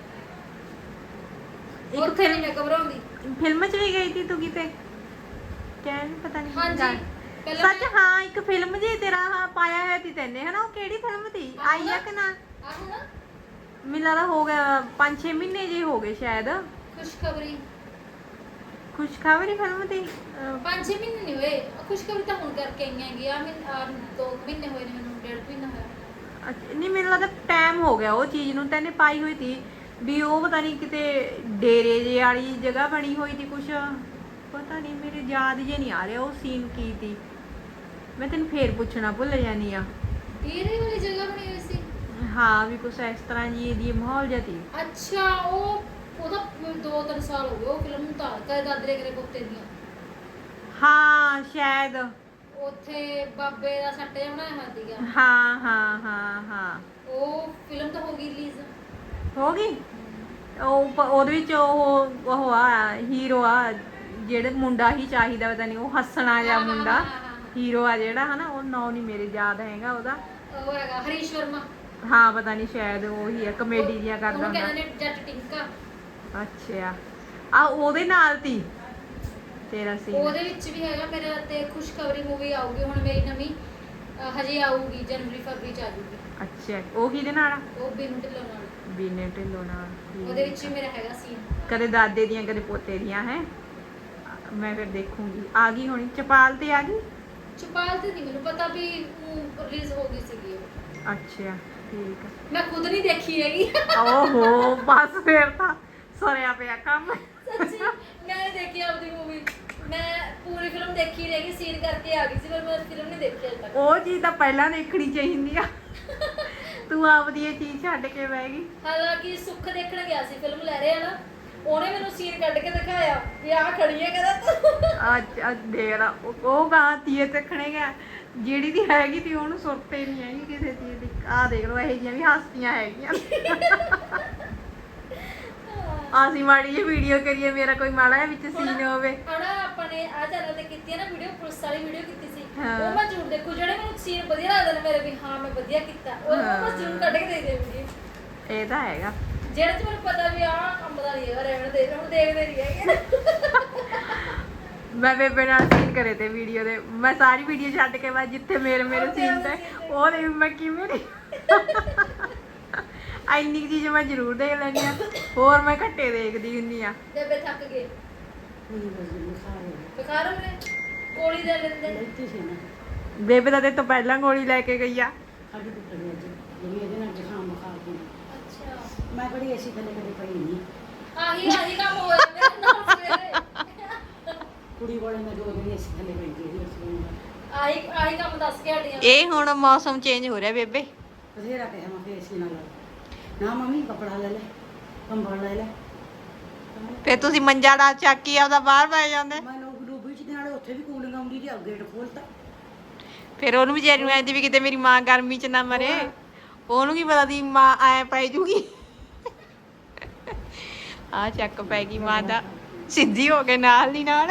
[SPEAKER 1] ਇੱਕ
[SPEAKER 3] ਉੱਥੇ ਨਹੀਂ ਮੈਂ ਘਬਰਾਉਂਦੀ।
[SPEAKER 1] ਫਿਲਮ ਚ ਵੀ ਗਈ ਸੀ ਤੂੰ ਕਿਤੇ? ਕਹਿਣ ਪਤਾ ਨਹੀਂ
[SPEAKER 3] ਹਾਂਜੀ ਪਹਿਲਾਂ
[SPEAKER 1] ਸੱਚ ਹਾਂ ਇੱਕ ਫਿਲਮ ਜੀ ਤੇਰਾ ਹਾਂ ਪਾਇਆ ਹੋਇਆ ਸੀ ਤੈਨੇ ਹਨਾ। ਉਹ ਕਿਹੜੀ ਫਿਲਮ ਸੀ? ਆਈ ਆ ਕਿ ਨਾ?
[SPEAKER 3] ਆਹੋ ਨਾ
[SPEAKER 1] ਮੈਨੂੰ ਲੱਗਦਾ ਹੋ ਗਿਆ ਪੰਜ ਛੇ ਮਹੀਨੇ ਜੇ ਹੋ ਗਏ ਸ਼ਾਇਦ।
[SPEAKER 3] ਖੁਸ਼ਖਬਰੀ
[SPEAKER 1] ਖੁਸ਼ਖਬਰੀ ਫਿਲਮ ਦੀ ਅਹ,
[SPEAKER 3] ਪੰਜ ਛੇ ਮਹੀਨੇ ਨਹੀਂ ਹੋਏ। ਖੁਸ਼ਖਬਰੀ ਤਾਂ ਹੁਣ ਕਰਕੇ ਆਈਆਂ ਹੈਗੀ ਆ। ਮੈਂ ਦੋ ਮਹੀਨੇ ਹੋਏ ਨੇ ਮੈਨੂੰ, ਡੇਢ ਮਹੀਨਾ ਹੋਇਆ।
[SPEAKER 1] ਅੱਛਾ, ਨਹੀਂ ਮੈਨੂੰ ਲੱਗਦਾ ਟਾਈਮ ਹੋ ਗਿਆ ਉਹ ਚੀਜ਼ ਨੂੰ। ਤੈਨੇ ਪਾਈ ਹੋਈ ਸੀ ਵੀ ਉਹ ਪਤਾ ਨਹੀਂ ਕਿਤੇ ਡੇਰੇ ਜੇ ਵਾਲੀ ਜਗ੍ਹਾ ਬਣੀ ਹੋਈ ਸੀ ਕੁਛ, ਪਤਾ ਨਹੀਂ ਮੇਰੇ ਯਾਦ ਜੇ ਨਹੀਂ ਆ ਰਿਹਾ ਉਹ ਸੀਨ ਕੀ ਸੀ। ਮੈਂ ਤੈਨੂੰ ਫੇਰ ਪੁੱਛਣਾ ਭੁੱਲ ਜਾਨੀ ਆ।
[SPEAKER 3] ਡੇਰੇ ਵਾਲੀ ਜਗ੍ਹਾ ਬਣੀ ਹੋਈ ਸੀ।
[SPEAKER 1] ਹਾਂ ਵੀ ਕੁਛ ਇਸ ਤਰ੍ਹਾਂ ਜੀ ਇਹਦੀ ਮਾਹੌਲ ਜਿਹਾ ਸੀ।
[SPEAKER 3] ਅੱਛਾ ਉਹ ਉਹਦਾ ਦੋ ਤਿੰਨ ਸਾਲ ਹੋ ਗਏ ਉਹ ਫਿਲਮ ਨੂੰ ਤਾਂ ਕਦੇ ਦਾਦਰੇ ਕਰੇ ਪੁੱਤੇ ਦੀਆਂ।
[SPEAKER 1] ਹਾਂ ਸ਼ਾਇਦ।
[SPEAKER 3] ਉੱਥੇ ਬਾਬੇ ਦਾ ਸੱਟ ਜਿਹਾ ਬਣਾਇਆ ਹੋਇਆ ਸੀਗਾ।
[SPEAKER 1] ਹਾਂ ਹਾਂ ਹਾਂ ਹਾਂ
[SPEAKER 3] ਉਹ ਫਿਲਮ ਤਾਂ ਹੋ ਗਈ ਰਿਲੀਜ਼।
[SPEAKER 1] ਹੋ ਗਈ। ਉਹ ਪ- ਉਹਦੇ ਵਿੱਚ ਉਹ ਉਹ ਆ ਹੀਰੋ ਆ ਜਿਹੜੇ ਮੁੰਡਾ ਹੀ ਚਾਹੀਦਾ ਪਤਾ ਨਹੀਂ ਉਹ ਹੱਸਣਾ ਜਿਹਾ
[SPEAKER 3] ਹਾਂ, ਹਾਂ,
[SPEAKER 1] ਮੁੰਡਾ
[SPEAKER 3] ਹਾਂ, ਹਾਂ, ਹਾਂ।
[SPEAKER 1] ਹੀਰੋ ਆ ਜਿਹੜਾ ਹਨਾ। ਉਹ ਨਾਂ ਨਹੀਂ ਮੇਰੇ ਯਾਦ ਹੈਗਾ ਉਹਦਾ।
[SPEAKER 3] ਉਹ ਹੈਗਾ ਹਰੀਸ਼ ਵਰਮਾ।
[SPEAKER 1] ਹਾਂ ਪਤਾ ਨਹੀਂ ਸ਼ਾਇਦ ਉਹੀ ਹੈ ਕਮੇਡੀ ਜਿਹਾ ਕਰਦਾ
[SPEAKER 3] ਉਹਨੂੰ
[SPEAKER 1] ਹੁੰਦਾ।
[SPEAKER 3] ਕਹਿੰਦੇ ਨੇ ਜੱਟ ਟਿੰਕਾ।
[SPEAKER 1] ਅੱਛਾ ਆ ਉਹਦੇ ਨਾਲ ਤੀ ਤੇਰਾ ਸੀ
[SPEAKER 3] ਉਹਦੇ ਵਿੱਚ ਵੀ ਹੈਗਾ ਮੇਰਾ ਤੇ ਖੁਸ਼ਖਬਰੀ ਮੂਵੀ ਆਊਗੀ ਹੁਣ ਮੇਰੀ ਨਵੀਂ ਅਹ ਹਜੇ ਆਊਗੀ ਜਨਵਰੀ ਫਰਵਰੀ ਚ ਆ ਜੂਗੀ।
[SPEAKER 1] ਅੱਛਾ ਉਹ ਕਿਹਦੇ ਨਾਲ ਆ?
[SPEAKER 3] ਉਹ ਬਿਨੂ ਢਿੱਲੋਂ ਨਾਲ
[SPEAKER 1] ਬੀਨੇ ਢਿੱਲੋਂ ਨਾਲ ਠੀਕ
[SPEAKER 3] ਉਹਦੇ ਵਿੱਚ
[SPEAKER 1] ਆ।
[SPEAKER 3] ਵੀ ਮੇਰਾ ਹੈਗਾ ਸੀਨ।
[SPEAKER 1] ਕਦੇ ਦਾਦੇ ਦੀਆਂ ਕਦੇ ਪੋਤੇ ਦੀਆਂ ਹੈ ਮੈਂ ਫਿਰ ਦੇਖੂੰਗੀ। ਆ ਗਈ ਹੋਣੀ ਚਪਾਲ ਤੇ ਆ ਗਈ।
[SPEAKER 3] ਚੁਪਾਲ ਤੇ ਨਹੀਂ ਮੈਨੂੰ ਪਤਾ ਵੀ ਰਿਲੀਜ਼ ਹੋ ਗਈ ਸੀਗੀ ਉਹ।
[SPEAKER 1] ਅੱਛਾ ਠੀਕ ਆ।
[SPEAKER 3] ਮੈਂ ਖੁਦ ਨਹੀਂ ਦੇਖੀ ਹੈਗੀ
[SPEAKER 1] ਓਹੋ ਬਸ ਫਿਰ ਤਾਂ ਸਰਿਆ ਪਿਆ ਕੰਮ।
[SPEAKER 3] ਸੱਚੀ ਮੈਂ ਨਹੀਂ ਦੇਖੀ ਆਪਦੀ ਮੂਵੀ। ਮੈਂ ਪੂਰੀ ਫਿਲਮ ਦੇਖੀ ਰਹਿ ਗਈ ਸੀਨ ਕਰਕੇ ਆ ਗਈ ਸੀ ਪਰ ਮੈਂ ਫਿਲਮ ਨਹੀਂ ਦੇਖੀ ਅਜੇ ਤੱਕ।
[SPEAKER 1] ਉਹ ਚੀਜ਼ ਤਾਂ ਪਹਿਲਾਂ ਦੇਖਣੀ ਚਾਹੀਦੀ ਆ ਤੂੰ ਆਪਦੀ ਇਹ ਚੀਜ਼ ਛੱਡ ਕੇ ਬਹਿ ਗਈ।
[SPEAKER 3] ਹਾਲਾਂਕਿ ਸੁੱਖ ਦੇਖਣ ਗਿਆ ਸੀ ਫਿਲਮ ਲੈ ਰਿਹਾ ਨਾ ਉਹਨੇ ਮੈਨੂੰ ਸੀਨ ਕੱਢ ਕੇ ਦਿਖਾਇਆ ਵੀ ਆਹ ਖੜੀ ਹੈ ਕਹਿੰਦਾ ਤੂੰ।
[SPEAKER 1] ਅੱਜ ਅੱਜ ਦੇਖ ਲਾ ਉਹ- ਉਹ ਗਾਂ ਤੀਏ ਦੇਖਣੇ ਗਿਆ ਜਿਹੜੀ ਦੀ ਹੈਗੀ ਤੀ ਉਹਨੂੰ ਸੁਰਤੇ ਨਹੀਂ ਹੈਗੀ ਕਿਸੇ ਚੀਜ਼ ਦੀ। ਆਹ ਦੇਖ ਲਓ ਇਹ ਜਿਹੀਆਂ ਵੀ ਹਸਤੀਆਂ ਹੈਗੀਆਂ। ਅਸੀਂ ਮਾੜੀ ਜਿਹੀ ਵੀਡੀਓ ਕਰੀਏ ਮੇਰਾ ਕੋਈ ਮਾੜਾ ਜਿਹਾ ਵਿੱਚ ਸੀਨ ਹੋਵੇ।
[SPEAKER 3] ਹਣਾ ਆਪਾਂ ਨੇ ਆ ਚੈਨਲ ਤੇ ਕੀਤੀ ਹੈ ਨਾ ਵੀਡੀਓ ਪੁਲਿਸ ਵਾਲੀ ਵੀਡੀਓ ਕੀਤੀ ਸੀ
[SPEAKER 1] ਹਾਂ।
[SPEAKER 3] ਉਹ ਮੈਂ ਜ਼ਰੂਰ ਦੇਖੂ ਜਿਹੜੇ ਮੈਨੂੰ ਸੀਨ ਵਧੀਆ ਲੱਗਦੇ ਨੇ ਮੇਰੇ ਵੀ ਹਾਂ ਮੈਂ ਵਧੀਆ ਕੀਤਾ ਉਹ
[SPEAKER 1] ਹਾਂ।
[SPEAKER 3] ਮੈਂ ਜ਼ਰੂਰ ਕੱਢ ਕੇ ਦੇ ਦੇਵਾਂਗੀ।
[SPEAKER 1] ਇਹ ਤਾਂ ਹੈਗਾ।
[SPEAKER 3] ਜਿਹੜੇ ਚ ਮੈਨੂੰ ਪਤਾ ਵੀ ਆਹ ਕੰਮ ਦਾ ਨਹੀਂ ਹੈਗਾ ਰਹਿਣ ਦੇ ਹੁਣ ਦੇਖਦੇ ਨਹੀਂ ਹੈਗੇ।
[SPEAKER 1] ਮੈਂ ਬੇਬੇ ਨਾਲ ਸੀਨ ਕਰੇ ਤੇ ਵੀਡੀਓ ਦੇ ਮੈਂ ਸਾਰੀ ਵੀਡੀਓ ਛੱਡ ਕੇ ਬਾਅਦ ਜਿੱਥੇ ਮੇਰੇ ਮੇਰੇ ਸੀਨ ਤੇ ਉਹ ਦੇ ਮੈਂ ਕਿਵੇਂ ਨਹੀਂ ਇੰਨੀ ਕੁ ਚੀਜ਼ ਮੈਂ ਜ਼ਰੂਰ ਦੇਖ ਲੈਂਦੀ ਆ। ਹੋਰ ਮੈਂ ਘੱਟੇ ਦੇਖਦੀ ਹੁੰਦੀ ਆ।
[SPEAKER 3] ਬੇਬੇ ਥੱਕ ਗਏ ਬੁਖਾਰ ਹੋ ਰਿਹਾ ਗੋਲੀ ਦੇ ਲੈਂਦੇ
[SPEAKER 1] ਬੇਬੇ ਤਾਂ ਤੇ ਤੋਂ ਪਹਿਲਾਂ ਗੋਲੀ ਲੈ ਕੇ ਗਈ ਆ।
[SPEAKER 3] ਅੱਛਾ
[SPEAKER 4] ਮੈਂ ਬੜੀ ਐਸੀ ਥੱਲੇ ਕਦੇ ਪਈ ਨਹੀਂ।
[SPEAKER 3] ਆਹੀ ਆਹੀ ਕੰਮ ਹੋ ਜਾਂਦਾ ਨਾ ਸਵੇਰੇ
[SPEAKER 4] ਕੁੜੀ ਵਾਲੇ ਮੈਂ ਦੋ ਦਿਨ ਐਸੀ ਥੱਲੇ ਪਈ ਗਈ ਸੀ।
[SPEAKER 3] ਆਹੀ ਆਹੀ ਕੰਮ ਦੱਸ ਕੇ ਹਟੀਆਂ।
[SPEAKER 1] ਇਹ ਹੁਣ ਮੌਸਮ ਚੇਂਜ ਹੋ ਰਿਹਾ ਬੇਬੇ।
[SPEAKER 4] ਬਥੇਰਾ ਕਿਹਾ ਮੈਂ ਫੇਰ ਐਸੀ ਨਾਲ ਨਾ ਮੰਮੀ ਕਪੜਾ ਲੈ ਲੈ ਕੰਬਲ ਲੈ ਲੈ।
[SPEAKER 1] ਫੇ ਤੁਸੀਂ ਮੰਜਾ ਡਾ ਚੱਕੀ ਆਪਦਾ ਬਾਹਰ ਪੈ ਜਾਂਦੇ।
[SPEAKER 4] ਮੈਂ ਲੋਕ ਡੂਬੀ ਚ ਦੇ ਨਾਲੇ ਉੱਥੇ ਵੀ ਕੂਲਿੰਗ ਆਉਂਦੀ ਤੇ ਗੇਟ ਖੋਲਤਾ।
[SPEAKER 1] ਫਿਰ ਉਹਨੂੰ ਵਿਚਾਰੀ ਨੂੰ ਐਂਦੀ ਵੀ ਕਿਤੇ ਮੇਰੀ ਮਾਂ ਗਰਮੀ ਚ ਨਾ ਮਰੇ। ਉਹਨੂੰ ਕੀ ਪਤਾ ਦੀ ਮਾਂ ਐ ਪੈ ਜੂਗੀ। ਆ ਚੱਕ ਪੈ ਗਈ ਮਾਂ ਦਾ ਸਿੱਧੀ ਹੋ ਕੇ ਨਾਲ ਦੀ ਨਾਲ।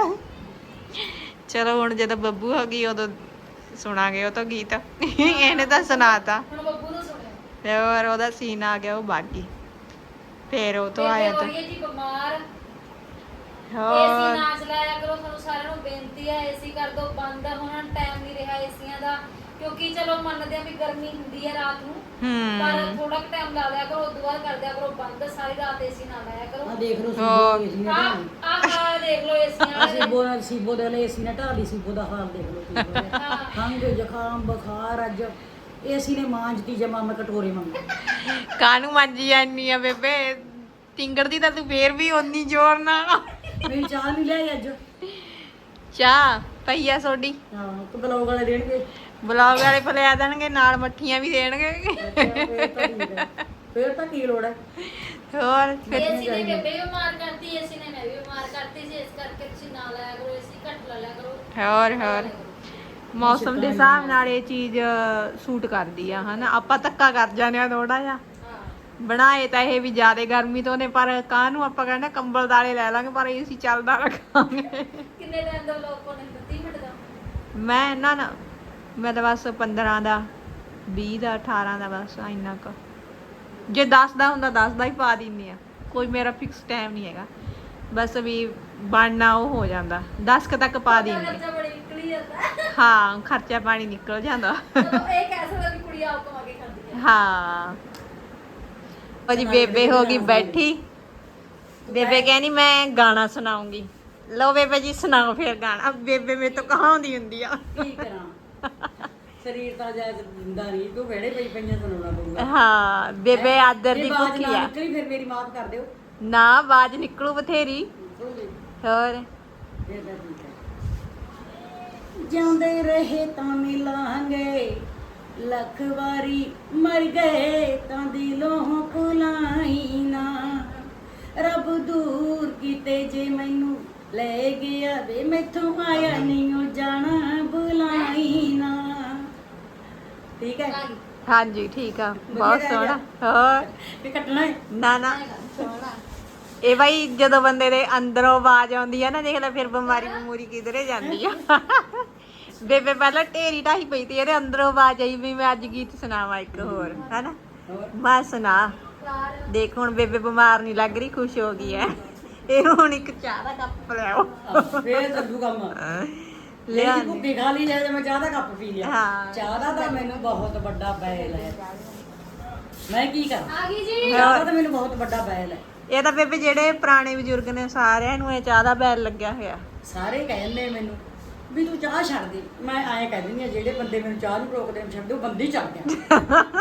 [SPEAKER 1] ਚਲੋ ਹੁਣ ਜਦੋਂ ਬੱਬੂ ਹੋ ਗਈ ਉਦੋਂ ਸੁਣਾਂਗੇ ਉਹ ਤੋਂ ਗੀਤ। ਇਹਨੇ ਤਾਂ ਸੁਣਾਤਾ
[SPEAKER 3] ਹੁਣ ਬੱਬੂ ਨੂੰ ਸੁਣਿਆ
[SPEAKER 1] ਤੇ ਹੋਰ ਉਹਦਾ ਸੀਨ ਆ ਗਿਆ ਉਹ ਬਾਗੀ। ਫੇਰ ਉਹ ਤੋਂ ਆਇਆ ਤਾਂ
[SPEAKER 3] ਜੀ ਬਿਮਾਰ
[SPEAKER 1] ਹੋਰ
[SPEAKER 3] ਏਸੀ ਨਾ ਚਲਾਇਆ ਕਰੋ ਤੁਹਾਨੂੰ ਸਾਰਿਆਂ ਨੂੰ ਬੇਨਤੀ ਹੈ ਏਸੀ ਕਰ ਦੋ ਬੰਦ ਹੁਣ ਟਾਈਮ ਨਹੀਂ ਰਿਹਾ ਏਸੀਆਂ ਦਾ ਕਿਉਂਕਿ ਚਲੋ ਮੰਨਦੇ ਆ ਵੀ ਗਰਮੀ ਹੁੰਦੀ ਹੈ ਰਾਤ ਨੂੰ ਪਰ
[SPEAKER 1] ਹੂੰ
[SPEAKER 3] ਥੋੜਾ ਕੁ ਟਾਈਮ ਲਾ ਲਿਆ ਕਰੋ ਉਦੋਂ ਬਾਅਦ ਕਰ ਦਿਆ ਕਰੋ ਬੰਦ ਸਾਰੀ ਰਾਤ ਏਸੀ ਨਾ ਲਾਇਆ ਕਰੋ
[SPEAKER 4] ਆ ਦੇਖ ਲਓ
[SPEAKER 1] ਹਾਂ।
[SPEAKER 4] ਸੀਬੋ ਏਸੀ ਨੇ
[SPEAKER 3] ਆ
[SPEAKER 4] ਢਾਲੀ।
[SPEAKER 3] ਆ ਦੇਖ ਲਓ ਏਸੀਆਂ ਵਾਲੇ
[SPEAKER 4] ਸੀਬੋ ਨਾਲ ਸੀਬੋ ਦੇ ਵਾਲੇ ਏਸੀ ਨੇ ਢਾਲੀ ਸੀਬੋ ਦਾ ਹਾਲ ਦੇਖ ਲਓ ਕੀ ਹੋਇਆ।
[SPEAKER 3] ਹਾਂ
[SPEAKER 4] ਖੰਘ ਜ਼ੁਕਾਮ ਬੁਖਾਰ ਅੱਜ ਏਸੀ ਨੇ ਮਾਂਜਤੀ ਜਮਾ ਮੈਂ ਕਟੋਰੇ ਮੰਗ।
[SPEAKER 1] ਕਾਹਨੂੰ ਮੰਜੀ ਜਾਨੀ ਆ ਬੇਬੇ ਟਿੰਗਰ ਦੀ ਤਾਂ ਤੂੰ ਫੇਰ ਵੀ ਓਨੀ ਜ਼ੋਰ ਨਾਲ।
[SPEAKER 4] ਮੇਰੀ ਚਾਹ ਨਹੀਂ ਲਿਆਈ ਅੱਜ।
[SPEAKER 1] ਚਾਹ ਪਈਆ ਸੋਡੀ
[SPEAKER 4] ਹਾਂ ਤੇ ਬਲੌਗ ਵਾਲੇ ਦੇਣਗੇ।
[SPEAKER 1] ਬਲੌਗ ਵਾਲੇ ਫਲਿਆ ਦੇਣਗੇ ਨਾਲ ਮੱਠੀਆਂ ਵੀ ਦੇਣਗੇ।
[SPEAKER 4] ਅੱਛਾ, ਫੇਰ ਤਾਂ ਠੀਕ ਹੈ। ਫੇਰ ਤਾਂ ਕੀ ਲੋੜ ਹੈ।
[SPEAKER 1] ਹੋਰ ਫਿਰ
[SPEAKER 3] ਏਸੀ ਨੇ ਬੇਬੇ ਵੀ ਬਿਮਾਰ ਕਰਤੀ ਏਸੀ ਨੇ ਮੈਂ ਵੀ ਬਿਮਾਰ ਕਰਤੀ ਸੀ ਇਸ ਕਰਕੇ ਤੁਸੀਂ ਨਾ ਲਾਇਆ ਕਰੋ ਏਸੀ ਘੱਟ ਲਾ ਲਿਆ ਕਰੋ
[SPEAKER 1] ਹੋਰ ਹੋਰ ਮੌਸਮ ਦੇ ਹਿਸਾਬ ਨਾਲ ਇਹ ਚੀਜ਼ ਸੂਟ ਕਰਦੀ ਆ ਹਨਾ। ਆਪਾਂ ਧੱਕਾ ਕਰ ਜਾਂਦੇ ਆ ਥੋੜਾ ਜਿਹਾ
[SPEAKER 3] ਹਾਂ
[SPEAKER 1] ਬਣਾਏ ਤਾਂ ਇਹ ਵੀ ਜ਼ਿਆਦਾ ਗਰਮੀ ਤੋਂ ਨੇ ਪਰ ਕਾਹਨੂੰ ਆਪਾਂ ਕਹਿੰਦੇ ਕੰਬਲ ਦਾਲੇ ਲੈ ਲਾਂਗੇ ਪਰ ਏਸੀ ਚੱਲਦਾ ਰੱਖਾਂਗੇ।
[SPEAKER 3] ਕਿੰਨੇ ਟਾਈਮ ਦਾ ਵਲੌਗ ਪਾਉਣੇ ਤੀਹ ਮਿੰਟ ਦਾ
[SPEAKER 1] ਮੈਂ ਨਾ ਨਾ ਮੈਂ ਤਾਂ ਬਸ ਪੰਦਰਾਂ ਦਾ ਵੀਹ ਦਾ ਅਠਾਰਾਂ ਦਾ ਬਸ ਇੰਨਾ ਕੁ ਜੇ ਦਸ ਦਾ ਹੁੰਦਾ ਦਸ ਦਾ ਹੀ ਪਾ ਦਿੰਦੀ ਆ। ਕੋਈ ਮੇਰਾ ਫਿਕਸ ਟਾਈਮ ਨਹੀਂ ਹੈਗਾ ਬਸ ਵੀ ਬਣਨਾ ਉਹ ਹੋ ਜਾਂਦਾ ਦਸ ਕੁ ਤੱਕ ਪਾ ਦਿੰਦੀ
[SPEAKER 3] ਖਰਚਾ ਬੜੀ ਨਿਕਲੀ ਜਾਂਦਾ
[SPEAKER 1] ਹਾਂ ਖਰਚਾ ਪਾਣੀ ਨਿਕਲ ਜਾਂਦਾ।
[SPEAKER 3] ਚਲੋ ਇਹ ਕਹਿ ਸਕਦਾ ਵੀ ਕੁੜੀ ਆਪ ਕਮਾ ਕੇ ਖਾਂਦੀ ਹੈ
[SPEAKER 1] ਹਾਂ ਉਹ ਜੀ ਬੇਬੇ ਹੋ ਗਈ ਬੈਠੀ। ਬੇਬੇ ਕਹਿੰਦੀ ਮੈਂ ਗਾਣਾ ਸੁਣਾਉਂਗੀ। ਲਓ ਬੇਬੇ ਜੀ ਸੁਣਾਓ ਫਿਰ ਗਾਣਾ। ਬੇਬੇ ਮੇਰੇ ਤੋਂ ਕਹਾਉਂਦੀ ਹੁੰਦੀ ਆ।
[SPEAKER 4] ਕੀ ਕਰਾਂ ਸਰੀਰ ਤਾਂ ਜਾਇਜ਼ ਦਿੰਦਾ ਨਹੀਂ ਤੂੰ ਵਿਹੜੇ ਪਈ ਪਈਆਂ ਸੁਣਾਉਣਾ ਪਊਗਾ।
[SPEAKER 1] ਹਾਂ ਬੇਬੇ ਆਦਰ
[SPEAKER 4] ਜੇ
[SPEAKER 1] ਦੀ
[SPEAKER 4] ਆਵਾਜ਼
[SPEAKER 1] ਭੁੱਖੀ
[SPEAKER 4] ਨਾ
[SPEAKER 1] ਆ।
[SPEAKER 4] ਨਿਕਲੀ ਫਿਰ ਮੇਰੀ ਮਾਫ ਕਰ ਦਿਓ।
[SPEAKER 1] ਨਾ ਆਵਾਜ਼ ਨਿਕਲੂ ਬਥੇਰੀ
[SPEAKER 4] ਬੋਲੀ
[SPEAKER 1] ਹੋਰ
[SPEAKER 4] ਫਿਰ ਤਾਂ ਠੀਕ ਹੈ। ਜਿਉਂਦੇ ਰਹੇ ਤਾਂ ਮਿਲਾਂਗੇ ਲੱਖ ਵਾਰੀ ਮਰ ਗਏ ਤਾਂ ਦਿਲੋਂ ਭੁਲਾਈ ਨਾ ਰੱਬ ਦੂਰ ਕੀਤੇ ਜੇ ਮੈਨੂੰ ਲੈ ਗਿਆ ਵੇ ਮੈਥੋਂ ਆਇਆ ਨਹੀਂ ਉਹ ਜਾਣਾ ਬੁਲਾਈ ਨਾ। ਠੀਕ ਹੈ
[SPEAKER 1] ਹਾਂਜੀ ਠੀਕ ਆ ਬਹੁਤ
[SPEAKER 4] ਵਧੀਆ
[SPEAKER 1] ਸੋਹਣਾ ਹੋਰ
[SPEAKER 4] ਇਹ ਕੱਟਣਾ ਹੈ।
[SPEAKER 1] ਨਾ ਨਾ ਇਹ ਬਾਈ ਜਦੋਂ ਬੰਦੇ ਦੇ ਅੰਦਰੋਂ ਆਵਾਜ਼ ਆਉਂਦੀ ਆ ਨਾ ਦੇਖ ਲੈ ਫਿਰ ਬਿਮਾਰੀ ਬਮੂਰੀ ਕਿਧਰੇ ਜਾਂਦੀ ਆ। ਬੇਬੇ ਪਹਿਲਾਂ ਢੇਰੀ ਢਾਈ ਪਈ ਤੇ ਇਹਦੇ ਅੰਦਰੋਂ ਆਵਾਜ਼ ਆਈ ਵੀ ਮੈਂ ਅੱਜ ਗੀਤ ਸੁਣਾਵਾਂ ਇੱਕ ਹੋਰ ਹਨਾ
[SPEAKER 4] ਹੋਰ
[SPEAKER 1] ਮੈਂ ਸੁਣਾ
[SPEAKER 3] ਯਾਰ
[SPEAKER 1] ਦੇਖ ਹੁਣ ਬੇਬੇ ਬਿਮਾਰ ਨਹੀਂ ਲੱਗ ਰਹੀ ਖੁਸ਼ ਹੋ ਗਈ ਐ। ਇਹ ਹੁਣ ਇੱਕ ਚਾਹ ਦਾ ਕੱਪ ਲਿਆਓ
[SPEAKER 4] ਫੇਰ ਚੱਲੂ ਕੰਮ
[SPEAKER 1] ਲਿਆ
[SPEAKER 4] ਲੈ ਭੁੱਖੀ ਖਾ ਲਈ ਜੇ ਮੈਂ ਚਾਹ ਦਾ ਕੱਪ ਪੀ ਲਿਆ
[SPEAKER 1] ਹਾਂ।
[SPEAKER 4] ਚਾਹ ਦਾ ਤਾਂ ਮੈਨੂੰ ਬਹੁਤ ਵੱਡਾ ਬੈਲ ਹੈ ਮੈਂ ਕੀ ਕਰਾਂ
[SPEAKER 3] ਆ ਗਈ ਜੀ
[SPEAKER 4] ਚਾਹ ਦਾ ਤਾਂ ਮੈਨੂੰ ਬਹੁਤ ਵੱਡਾ ਬੈਲ ਹੈ
[SPEAKER 1] ਇਹ ਤਾਂ ਬੇਬੇ ਜਿਹੜੇ ਪੁਰਾਣੇ ਬਜ਼ੁਰਗ ਨੇ ਸਾਰਿਆਂ ਨੂੰ ਇਹ ਚਾਹ ਦਾ ਬੈਲ ਲੱਗਿਆ ਹੋਇਆ
[SPEAKER 4] ਸਾਰੇ ਕਹਿੰਦੇ ਮੈਨੂੰ ਵੀ ਤੂੰ ਚਾਹ ਛੱਡ ਦੇ ਮੈਂ ਐਂ ਕਹਿ ਦਿੰਦੀ ਆ ਜਿਹੜੇ ਬੰਦੇ ਮੈਨੂੰ ਚਾਹ ਨੂੰ ਰੋਕਦੇ ਨੇ ਛੱਡੋ ਬੰਦੇ ਹੀ ਛੱਡ ਦਿਆਂ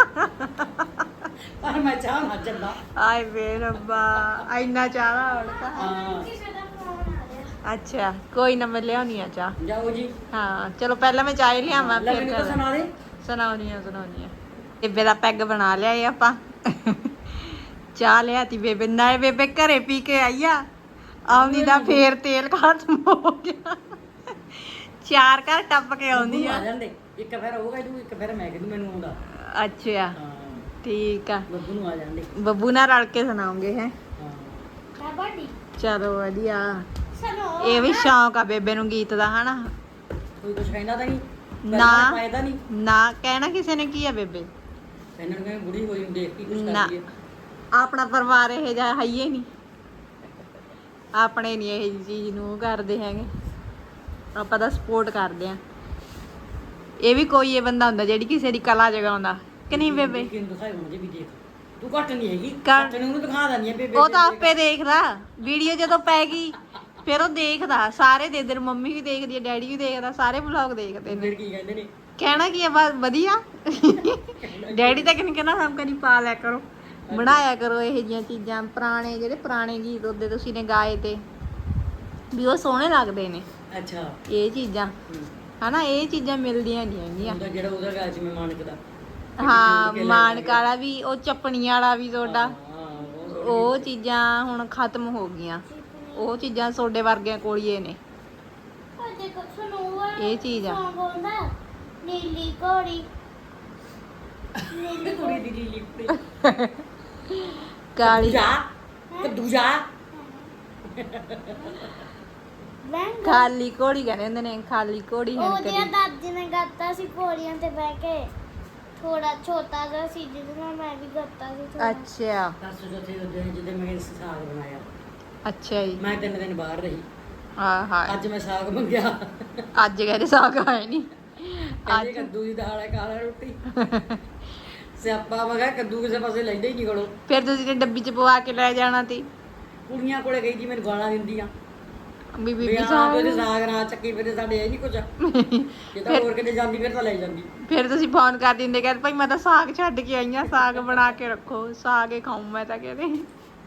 [SPEAKER 4] ਪਰ ਮੈਂ ਚਾਹ ਨਾ ਛੱਡਾਂ
[SPEAKER 1] ਆਏ ਵੇ ਰੱਬਾ ਇੰਨਾ ਚਾਹ ਦਾ ਹੜਕਾ
[SPEAKER 4] ਹਾਂ
[SPEAKER 3] ਸਾਡਾ ਫੋਨ ਆ ਰਿਹਾ
[SPEAKER 1] ਅੱਛਾ ਕੋਈ ਨਾ ਮੈਂ ਲਿਆਉਣੀ ਆ ਚਾਹ
[SPEAKER 4] ਜਾਓ ਜੀ
[SPEAKER 1] ਹਾਂ ਚਲੋ ਪਹਿਲਾਂ ਮੈਂ ਚਾਹ ਹੀ ਲਿਆਵਾਂ
[SPEAKER 4] ਲੈ
[SPEAKER 1] ਫਿਰ
[SPEAKER 4] ਮੈਨੂੰ ਤਾਂ
[SPEAKER 1] ਕਰ-
[SPEAKER 4] ਸੁਣਾ ਦੇ
[SPEAKER 1] ਸੁਣਾਉਣੀ ਆ ਸੁਣਾਉਣੀ ਆ ਬੇਬੇ ਦਾ ਪੈਗ ਬਣਾ ਲਿਆ ਏ ਆਪਾਂ ਚਾਹ ਲਿਆਤੀ ਬੇਬੇ ਨਾਲੇ ਬੇਬੇ ਘਰੇ ਪੀ ਕੇ ਆਈ ਆ ਆਉਂਦੀ ਦਾ ਫੇਰ ਤੇਲ ਖਤਮ ਹੋ ਗਿਆ ਚਾਰ ਘਰ ਟੱਪ ਕੇ ਆਉਂਦੀ
[SPEAKER 4] ਬੱਬੂ
[SPEAKER 1] ਆ
[SPEAKER 4] ਆ ਜਾਂਦੇ ਇੱਕ ਫਿਰ ਉਹ ਕਹਿ ਦੂ ਇੱਕ ਫਿਰ ਮੈਂ ਕਹਿ ਦੂ ਮੈਨੂੰ ਆਉਂਦਾ
[SPEAKER 1] ਅੱਛਾ
[SPEAKER 4] ਹਾਂ
[SPEAKER 1] ਠੀਕ ਆ
[SPEAKER 4] ਬੱਬੂ ਨੂੰ ਆ ਜਾਂਦੇ
[SPEAKER 1] ਬੱਬੂ ਨਾਲ ਰਲ ਕੇ ਸੁਣਾਉਂਗੇ ਹੈ
[SPEAKER 4] ਹਾਂ
[SPEAKER 3] ਕਬੱਡੀ
[SPEAKER 1] ਚਲੋ ਵਧੀਆ
[SPEAKER 3] ਚਲੋ
[SPEAKER 1] ਇਹ ਵੀ ਸ਼ੌਂਕ ਆ ਬੇਬੇ ਨੂੰ ਗੀਤ ਦਾ ਹਨਾ
[SPEAKER 4] ਕੋਈ ਕੁਝ ਕਹਿੰਦਾ ਤਾਂ ਨਹੀਂ
[SPEAKER 1] ਨਾ।
[SPEAKER 4] ਫਾਇਦਾ ਨਹੀਂ
[SPEAKER 1] ਨਾ ਕਹਿਣਾ ਕਿਸੇ ਨੇ ਕੀ ਆ ਬੇਬੇ
[SPEAKER 4] ਇਹਨਾਂ ਨੂੰ ਕਹਿੰਦੇ ਬੁੜੀ ਹੋਈ ਨੂੰ ਦੇਖ ਕੇ ਕੁਝ
[SPEAKER 1] ਨਾ।
[SPEAKER 4] ਕਰਦੀ ਹੈ
[SPEAKER 1] ਆਪਣਾ ਪਰਿਵਾਰ ਇਹ ਜਿਹਾ ਹੈ ਹੀ ਨਹੀਂ ਆਪਣੇ ਨਹੀਂ ਇਹ ਜਿਹੀ ਚੀਜ਼ ਨੂੰ ਉਹ ਕਰਦੇ ਹੈਗੇ ਆਪਾਂ ਤਾਂ ਸਪੋਰਟ ਕਰਦੇ ਆ ਇਹ ਵੀ ਕੋਈ ਇਹ ਬੰਦਾ ਹੁੰਦਾ ਜਿਹੜੀ ਕਿਸੇ ਦੀ ਕਲਾ ਜਗਾਉਂਦਾ ਕਿ ਨਹੀਂ ਬੇਬੇ
[SPEAKER 4] ਕਿਹਨੂੰ ਦਿਖਾਈ ਹੁਣ ਜੇ ਵੀ ਦੇਖ ਤੂੰ ਘੱਟ ਨਹੀਂ ਹੈਗੀ
[SPEAKER 1] ਘੱਟ-
[SPEAKER 4] ਘੱਟ ਨੂੰ ਉਹਨੂੰ ਦਿਖਾ ਦਣੀ ਹੈ ਬੇਬੇ
[SPEAKER 1] ਉਹ ਤਾਂ ਆਪੇ ਦੇਖਦਾ ਵੀਡੀਓ ਜਦੋਂ ਪੈ ਗਈ ਫਿਰ ਉਹ ਦੇਖਦਾ ਸਾਰੇ ਦੇ ਦਰ ਮੰਮੀ ਵੀ ਦੇਖਦੀ ਹੈ ਡੈਡੀ ਵੀ ਦੇਖਦਾ ਸਾਰੇ ਵਲੌਗ ਦੇਖਦੇ ਨੇ
[SPEAKER 4] ਫਿਰ ਕੀ ਕਹਿੰਦੇ ਨੇ
[SPEAKER 1] ਕਹਿਣਾ ਕੀ ਹੈ ਬਸ ਵਧੀਆ ਡੈਡੀ ਤਾਂ ਕਹਿੰਦੇ ਕਹਿੰਦਾ ਹਮ ਕਦੀ ਪਾ ਲਿਆ ਕਰੋ ਬਣਾਇਆ ਕਰੋ ਇਹ ਜੀਆਂ ਚੀਜ਼ਾਂ ਪੁਰਾਣੇ ਜਿਹੜੇ ਪੁਰਾਣੇ ਗੀਤ ਉਹਦੇ ਤੁਸੀਂ ਨੇ ਗਾਏ ਤੇ ਵੀ ਉਹ ਸੋਹਣੇ ਲੱਗਦੇ ਨੇ
[SPEAKER 4] ਅੱਛਾ
[SPEAKER 1] ਇਹ ਚੀਜ਼ਾਂ ਹਨਾ ਇਹ ਚੀਜ਼ਾਂ ਮਿਲਦੀਆਂ ਨਹੀਂ ਹੈਗੀਆਂ
[SPEAKER 4] ਉਹਦਾ ਜਿਹੜਾ ਉਹਦਾ ਗਾ ਸੀ ਮੈਂ ਮਾਨਕ ਦਾ
[SPEAKER 1] ਹਾਂ ਮਾਨਕ ਵਾਲਾ ਵੀ ਉਹ ਚੱਪਣੀਆਂ ਵਾਲਾ ਵੀ ਤੁਹਾਡਾ
[SPEAKER 4] ਹਾਂ ਉਹ
[SPEAKER 1] ਉਹ ਚੀਜ਼ਾਂ ਹੁਣ ਖਤਮ ਹੋ ਗਈਆਂ ਉਹ ਚੀਜ਼ਾਂ ਤੁਹਾਡੇ ਵਰਗਿਆਂ ਕੋਲ ਹੀ ਇਹ ਨੇ
[SPEAKER 3] ਉਹ ਦੇਖੋ ਸੁਣੋ
[SPEAKER 1] ਇਹ ਚੀਜ਼ ਆ
[SPEAKER 3] ਕੌਣ ਬੋਲਦਾ ਨੀਲੀ ਘੋੜੀ
[SPEAKER 4] ਉਹਦੀ ਕੁੜੀ ਦੀ ਲੀਲੀ ਕੁੜੀ
[SPEAKER 1] ਕਾਲੀ
[SPEAKER 4] ਜਾ ਕੱਦੂ ਜਾ
[SPEAKER 3] ਬੈਂਗ
[SPEAKER 1] ਖਾਲੀ ਘੋੜੀ ਕਹਿੰਦੇ ਹੁੰਦੇ ਨੇ ਖਾਲੀ ਘੋੜੀ ਹੈ
[SPEAKER 3] ਉਹਦੇ
[SPEAKER 1] ਕਦੀ
[SPEAKER 3] ਦਾਦੀ ਨੇ ਗਾਤਾ ਸੀ ਘੋੜੀਆਂ ਤੇ ਬਹਿ ਕੇ ਥੋੜਾ ਛੋਟਾ ਜਿਹਾ ਸੀ ਜਿਹਦੇ ਨਾਲ ਮੈਂ ਵੀ ਗਾਤਾ ਸੀ ਥੋੜਾ
[SPEAKER 1] ਅੱਛਾ
[SPEAKER 4] ਦੱਸ ਜਥੇ ਉਹਦੇ ਜਿਹਦੇ ਮੈਂ ਸਾਗ ਬਣਾਇਆ
[SPEAKER 1] ਅੱਛਾ ਜੀ
[SPEAKER 4] ਮੈਂ ਤਿੰਨ ਦਿਨ ਬਾਹਰ ਰਹੀ
[SPEAKER 1] ਹਾਂ ਹਾਂ
[SPEAKER 4] ਅੱਜ ਮੈਂ ਸਾਗ ਮੰਗਿਆ
[SPEAKER 1] ਅੱਜ ਕਹਿੰਦੇ ਸਾਗ ਆਏ ਨਹੀਂ
[SPEAKER 4] ਕਹਿੰਦੇ ਕੱਦੂ ਦੀ ਦਾਲ ਹੈ ਕਾਲਾ ਰੋਟੀ ਸਿਆਪਾ ਮਗਾ ਕੱਦੂ ਕਿਸੇ ਪਾਸੇ ਲੈਂਦੇ ਹੀ ਨਹੀਂ ਕੋਲੋਂ
[SPEAKER 1] ਫਿਰ ਤੁਸੀਂ ਤੇ ਡੱਬੀ ਚ ਪਵਾ ਕੇ ਲੈ ਜਾਣਾ ਸੀ
[SPEAKER 4] ਕੁੜੀਆਂ ਕੋਲੇ ਗਈ ਜੀ ਮੈਨੂੰ ਗਾਲਾਂ ਦਿੰਦੀਆਂ
[SPEAKER 1] ਵੀ
[SPEAKER 4] ਵੀ
[SPEAKER 1] ਬੀਬੀ
[SPEAKER 4] ਆਹ
[SPEAKER 1] ਸਾਹਿਬ
[SPEAKER 4] ਉਹਦੇ ਸਾਗ ਨਾ ਚੱਕੀ ਫਿਰੇ ਸਾਡੇ ਇਹ ਨਹੀਂ ਕੁਝ ਜੇ ਤਾਂ ਹੋਰ ਕਿਤੇ ਜਾਂਦੀ ਫਿਰ ਤਾਂ ਲੈ ਜਾਂਦੀ
[SPEAKER 1] ਫਿਰ ਤੁਸੀਂ ਫੋਨ ਕਰ ਦਿੰਦੇ ਕਹਿੰਦੇ ਭਾਈ ਮੈਂ ਤਾਂ ਸਾਗ ਛੱਡ ਕੇ ਆਈ ਆ ਸਾਗ ਬਣਾ ਕੇ ਰੱਖੋ ਸਾਗ ਹੀ ਖਾਉਂ ਮੈਂ ਤਾਂ ਕਹਿੰਦੇ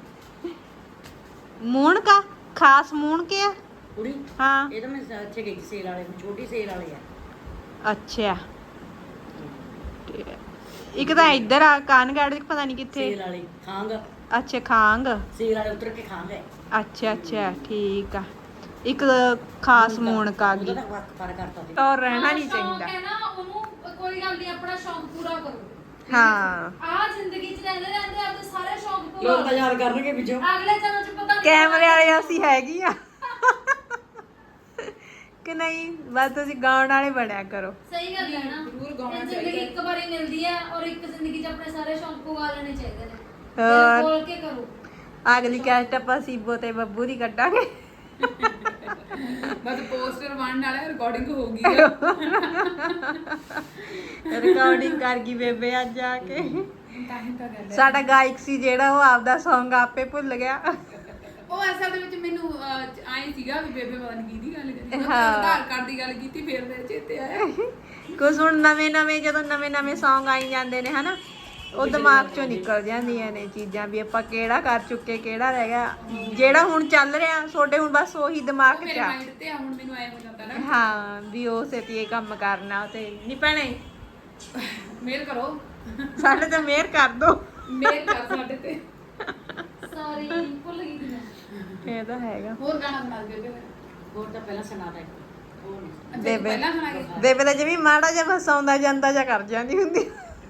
[SPEAKER 1] ਮੂਣ ਕਾ ਖਾਸ ਮੂਣ ਕੇ ਆ
[SPEAKER 4] ਕੁੜੀ
[SPEAKER 1] ਹਾਂ
[SPEAKER 4] ਇਹ ਤਾਂ ਮੈਂ ਇੱਥੇ ਗਈ ਸੀ ਸੇਲ ਵਾਲੇ ਛੋਟੀ ਸੇਲ ਵਾਲੇ ਆ
[SPEAKER 1] ਅੱਛਾ ਤੇ ਇੱਕ ਤਾਂ ਇੱਧਰ ਆ ਕਾਨਗੜ ਪਤਾ ਨਹੀਂ ਕਿੱਥੇ
[SPEAKER 4] ਸੇਲ ਵਾਲੇ ਖਾਂਗ
[SPEAKER 1] ਅੱਛਾ ਖਾਂਗ
[SPEAKER 4] ਸੇਲ ਵਾਲੇ ਉਤਰ ਕੇ ਖਾਂਗ ਹੈ
[SPEAKER 1] ਅੱਛਾ ਅੱਛਾ ਠੀਕ ਆ ਇੱਕ ਖਾਸ ਮੂਣਕ ਆ ਗਈ
[SPEAKER 4] ਉਹਦਾ ਤਾਂ ਵਕਤ ਪਰ ਕਰਤਾ ਸੀ
[SPEAKER 1] ਔਰ ਰਹਿਣਾ ਨਹੀਂ ਚਾਹੀਦਾ
[SPEAKER 3] ਕਹਿੰਦਾ ਉਹਨੂੰ ਕੋਈ ਗੱਲ ਨਹੀਂ ਆਪਣਾ ਸ਼ੌਂਕ ਪੂਰਾ ਕਰੋ
[SPEAKER 1] ਹਾਂ
[SPEAKER 3] ਆ ਜ਼ਿੰਦਗੀ 'ਚ ਰਹਿੰਦੇ ਰਹਿੰਦੇ ਆਪਦੇ ਸਾਰੇ ਸ਼ੌਂਕ ਪੂਰਾ
[SPEAKER 4] ਲੋਕ ਤਾਂ ਯਾਦ ਕਰਨਗੇ ਵਿੱਚੋਂ
[SPEAKER 3] ਅਗਲੇ ਜਨਮ 'ਚ ਪਤਾ ਨਹੀਂ
[SPEAKER 1] ਕੈਮਰੇ ਵਾਲੇ ਅਸੀਂ ਹੈਗੀ ਆ ਕਿ ਨਹੀਂ ਬਸ ਤੁਸੀਂ ਗਾਉਣ ਵਾਲੇ ਬਣਿਆ ਕਰੋ
[SPEAKER 3] ਸਹੀ ਗੱਲ ਹੈ ਨਾ
[SPEAKER 2] ਜ਼ਰੂਰ ਗਾਉਣਾ
[SPEAKER 3] ਇਹ ਜ਼ਿੰਦਗੀ ਇੱਕ ਵਾਰੀ ਮਿਲਦੀ ਹੈ ਔਰ ਇੱਕ ਜ਼ਿੰਦਗੀ 'ਚ ਆਪਣੇ ਸਾਰੇ ਸ਼ੌਂਕ ਪੂਰਾ ਲੈਣੇ ਚਾਹੀਦੇ ਨੇ
[SPEAKER 1] ਹੋਰ।
[SPEAKER 3] ਦਿਲ ਖੋਲ ਕੇ ਕਰੋ
[SPEAKER 1] ਅਗਲੀ ਕੈਸਟ ਆਪਾਂ ਸੀਬੋ ਤੇ ਬੱਬੂ ਦੀ ਕੱਢਾਂਗੇ
[SPEAKER 2] ਬਸ ਪੋਸਟਰ ਬਣਨ ਵਾਲਾ ਰਿਕਾਰਡਿੰਗ ਹੋ ਗਈ ਆ
[SPEAKER 1] ਰਿਕਾਰਡਿੰਗ ਕਰ ਗਈ ਬੇਬੇ ਅੱਜ ਆ ਕੇ
[SPEAKER 2] ਤਾਂ ਹੀ ਤਾਂ ਗੱਲ ਹੈ
[SPEAKER 1] ਸਾਡਾ ਗਾਇਕ ਸੀ ਜਿਹੜਾ ਉਹ ਆਪਦਾ Song ਆਪੇ ਭੁੱਲ ਗਿਆ
[SPEAKER 2] ਉਹ ਅਸਲ ਦੇ ਵਿੱਚ ਮੈਨੂੰ ਆਏ ਸੀਗਾ ਵੀ ਬੇਬੇ ਪਤਾ ਨਹੀਂ ਕਿਹਦੀ ਗੱਲ ਕਰੀ ਮੈਂ
[SPEAKER 1] ਹਾਂ।
[SPEAKER 2] ਆਧਾਰ ਕਾਰਡ ਦੀ ਗੱਲ ਕੀਤੀ ਫਿਰ ਮੇਰੇ ਚੇਤੇ ਆਇਆ
[SPEAKER 1] ਕੁਝ ਹੁਣ ਨਵੇਂ ਨਵੇਂ ਜਦੋਂ ਨਵੇਂ ਨਵੇਂ Song ਆਈ ਜਾਂਦੇ ਨੇ ਹਨਾ ਉਹ ਦਿਮਾਗ ਚੋਂ ਨਿਕਲ ਜਾਂਦੀਆਂ ਨੇ ਚੀਜ਼ਾਂ ਵੀ ਆਪਾਂ ਕਿਹੜਾ ਕਰ ਚੁੱਕੇ ਕਿਹੜਾ ਰਹਿ ਗਿਆ ਜਿਹੜਾ ਹੁਣ ਚੱਲ ਰਿਹਾ ਤੁਹਾਡੇ ਹੁਣ ਬਸ ਉਹੀ ਦਿਮਾਗ 'ਚ
[SPEAKER 2] ਮੇਰੇ
[SPEAKER 1] ਆ
[SPEAKER 2] ਮਾਈਂਡ ਤੇ ਆ ਹੁਣ ਮੈਨੂੰ ਆਇਆ ਹੋ ਜਾਂਦਾ ਨਾ
[SPEAKER 1] ਹਾਂ ਵੀ ਉਹ ਸੇਤੀ ਇਹ ਕੰਮ ਕਰਨਾ ਤੇ ਨਹੀਂ ਭੈਣੇ
[SPEAKER 2] ਮੇਲ ਕਰੋ
[SPEAKER 1] ਸਾਡੇ ਤੇ ਮਿਹਰ ਕਰ ਦੋ
[SPEAKER 2] ਮੇਲ ਕਰ ਸਾਡੇ ਤੇ
[SPEAKER 3] ਸੌਰੀ ਭੁੱਲ ਗਈ ਸੀ ਮੈਂ
[SPEAKER 1] ਇਹ ਤਾਂ ਹੈਗਾ
[SPEAKER 2] ਹੋਰ ਗਾਣਾ ਸੁਣਾ ਦੇ ਬੇਬੇ
[SPEAKER 4] ਹੋਰ ਤਾਂ ਪਹਿਲਾਂ ਸੁਣਾਤਾ ਇੱਕ ਹੋਰ ਨਹੀਂ
[SPEAKER 2] ਅੱਛਾ, ਤੂੰ
[SPEAKER 1] ਬੇਬੇ।
[SPEAKER 2] ਪਹਿਲਾਂ ਸੁਣਾ ਕੇ
[SPEAKER 1] ਬੇਬੇ ਤਾਂ ਜਿਵੇਂ ਮਾੜਾ ਜਿਹਾ ਬਸ ਆਉਂਦਾ ਜਾਂਦਾ ਜਾਂ ਕਰ ਜਾਂਦੀ ਹੁੰਦੀ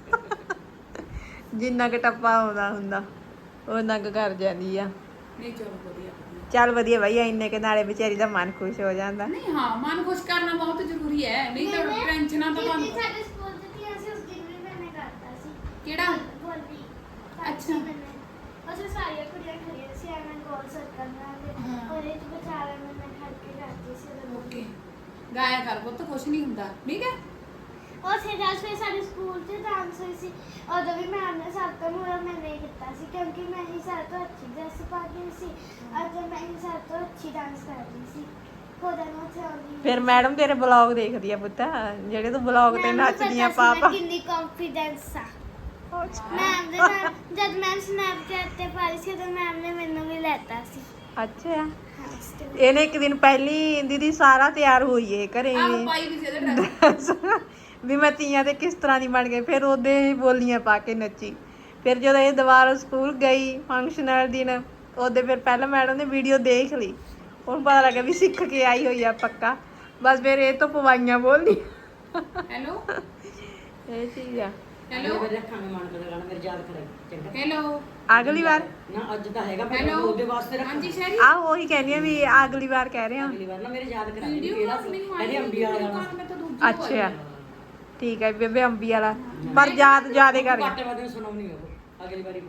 [SPEAKER 1] ਜਿੰਨਾ ਕਿ ਟੱਪਾ ਆਉਂਦਾ ਹੁੰਦਾ ਉਹਨਾਂ ਕੁ ਕਰ ਜਾਂਦੀ ਆ
[SPEAKER 2] ਨਹੀਂ ਚਲੋ ਵਧੀਆ ਵਧੀਆ।
[SPEAKER 1] ਚੱਲ ਵਧੀਆ ਬਾਈ ਇੰਨੇ ਕੇ ਨਾਲੇ ਵਿਚਾਰੀ ਦਾ ਮਨ ਖੁਸ਼ ਹੋ ਜਾਂਦਾ
[SPEAKER 2] ਨਹੀਂ ਹਾਂ ਮਨ ਖੁਸ਼ ਕਰਨਾ ਬਹੁਤ ਜ਼ਰੂਰੀ ਹੈ ਨਹੀਂ ਤਾਂ ਟੈਨਸ਼ਨਾਂ ਤਾਂ ਤੁਹਾਨੂੰ
[SPEAKER 3] ਸਾਡੇ ਸਕੂਲ 'ਚ ਸੀ ਅਸੀਂ ਉਸ ਦਿਨ ਵੀ ਮੈਨੇ ਕਰਤਾ ਸੀ
[SPEAKER 2] ਕਿਹੜਾ
[SPEAKER 3] ਬੋਲੀ
[SPEAKER 2] ਅੱਛਾ।
[SPEAKER 5] ਅਸੀਂ ਸਾਰੀਆਂ ਕੁੜੀਆਂ ਖੜੀਆਂ ਸੀ ਐਵੇਂ ਗੋਲ ਸਰਕਲ ਨਾਲ
[SPEAKER 2] ਹਾਂ।
[SPEAKER 5] ਉਹਦੇ ਚ ਵਿਚਾਰਾ ਮੈਂ ਮੈਂ ਖੜ ਕੇ ਕਰਦੀ ਸੀ ਉਦੋਂ।
[SPEAKER 2] ਓਕੇ ਗਾਇਆ ਕਰ ਪੁੱਤ ਕੁਛ ਨਹੀਂ ਹੁੰਦਾ ਠੀਕ ਹੈ
[SPEAKER 5] ਉੱਥੇ ਜਦ ਫਿਰ ਸਾਡੇ ਸਕੂਲ 'ਚ ਡਾਂਸ ਹੋਈ ਸੀ ਉਦੋਂ ਵੀ ਮੈਮ ਨੇ ਸਭ ਤੋਂ ਮੁਰਾ ਮੈਂ ਨਹੀਂ ਕੀਤਾ ਸੀ ਕਿਉਂਕਿ ਮੈਂ ਹੀ ਸਭ ਤੋਂ ਅੱਛੀ ਡਰੈਸ ਪਾ ਕੇ ਸੀ ਅਤੇ ਮੈਂ ਹੀ ਸਭ ਤੋਂ ਅੱਛੀ ਡਾਂਸ ਕਰਦੀ ਸੀ ਖੁਦਾ ਨੂੰ ਉੱਥੇ ਆਉਂਦੀ
[SPEAKER 1] ਫਿਰ ਮੈਡਮ ਤੇਰੇ ਬਲੌਗ ਦੇਖਦੀ ਆ ਪੁੱਤ ਜਿਹੜੇ ਤੂੰ ਬਲੌਗ ਤੇ ਨੱਚਦੀ ਆ ਪਾਪਾ
[SPEAKER 5] ਕਿੰਨੀ ਕੰਫੀਡੈਂਸ ਆ ਮੈਮ ਦੇ ਨਾਲ ਜਦ ਮੈਮ ਸਨੈਪਚੈਟ ਤੇ ਪਾਈ ਸੀ ਤਾਂ ਮੈਮ ਨੇ ਮੈਨੂੰ ਵੀ ਲੈਤਾ ਸੀ
[SPEAKER 1] ਅੱਛਾ
[SPEAKER 5] ਹਾਂ ਉਸ time।
[SPEAKER 1] ਇਹਨੇ ਇੱਕ ਦਿਨ ਪਹਿਲੀ ਦੀਦੀ ਸਾਰਾ ਤਿਆਰ ਹੋਈ ਏ ਘਰੇ
[SPEAKER 2] ਆਹ
[SPEAKER 1] ਵੀ
[SPEAKER 2] ਪਾਈ ਵੀ ਸੀ ਇਹਦੇ ਡਰੈਸ
[SPEAKER 1] ਵੀ ਮੈਂ ਤੀਆਂ ਤੇ ਕਿਸ ਤਰ੍ਹਾਂ ਦੀ ਬਣ ਗਈ ਫਿਰ ਉਹਦੇ ਹੀ ਬੋਲੀਆਂ ਪਾ ਕੇ ਨੱਚੀ ਫਿਰ ਜਦੋਂ ਇਹ ਦੁਬਾਰਾ ਸਕੂਲ ਗਈ ਫੰਕਸ਼ਨ ਵਾਲੇ ਦਿਨ ਉਹਦੇ ਫਿਰ ਪਹਿਲਾਂ ਮੈਡਮ ਨੇ ਵੀਡੀਓ ਦੇਖ ਲਈ ਉਹਨੂੰ ਪਤਾ ਲੱਗਾ ਵੀ ਸਿੱਖ ਕੇ ਆਈ ਹੋਈ ਆ ਪੱਕਾ ਬਸ ਫਿਰ ਇਹ ਤੋਂ ਪਵਾਈਆਂ ਬੋਲਦੀ
[SPEAKER 2] ਹੈਲੋ
[SPEAKER 1] ਇਹ ਚੀਜ਼ ਆ
[SPEAKER 2] ਹੈਲੋ
[SPEAKER 4] ਮੇਰੇ ਰੱਖਾਂਗੇ ਮਨ ਕਰ ਗਾਣਾ ਮੇਰੇ ਯਾਦ ਕਰਾਈ ਚੰਗਾ
[SPEAKER 2] ਹੈਲੋ
[SPEAKER 1] ਅਗਲੀ ਵਾਰ
[SPEAKER 4] ਨਾ ਅੱਜ ਤਾਂ ਹੈਗਾ ਪਰ
[SPEAKER 2] ਹੈਲੋ
[SPEAKER 4] ਉਹਦੇ ਵਾਸਤੇ ਰੱਖਾਂਗੇ
[SPEAKER 2] ਹਾਂਜੀ ਸ਼ੈਰੀ
[SPEAKER 1] ਆ ਉਹੀ ਕਹਿੰਦੀ ਆ ਵੀ ਅਗਲੀ ਵਾਰ ਕਹਿ ਰਹੇ ਆ
[SPEAKER 4] ਅਗਲੀ ਵਾਰ ਨਾ ਮੇਰੇ ਯਾਦ ਕਰਾ ਦੇ
[SPEAKER 2] ਵੀਡੀਓ
[SPEAKER 4] ਕਿਹੜਾ
[SPEAKER 2] ਕਾਲ
[SPEAKER 4] ਸੀ
[SPEAKER 2] ਮੈਨੂੰ
[SPEAKER 4] ਇਹਦੀ ਅੰਬੀ ਵਾਲਾ ਗਾਣਾ
[SPEAKER 2] ਮੈਂ ਤਾਂ ਦੂਜੀ
[SPEAKER 1] ਅੱਛਾ ਠੀਕ ਹੈ ਬੇਬੇ ਅੰਬੀ ਵਾਲਾ ਪਰ ਯਾਦ ਜਿਆਦੇ ਕਰ
[SPEAKER 4] ਘੱਟ ਵਾਦੇ ਸੁਣਾਉਣੀ ਉਹ ਅਗਲੀ ਵਾਰੀ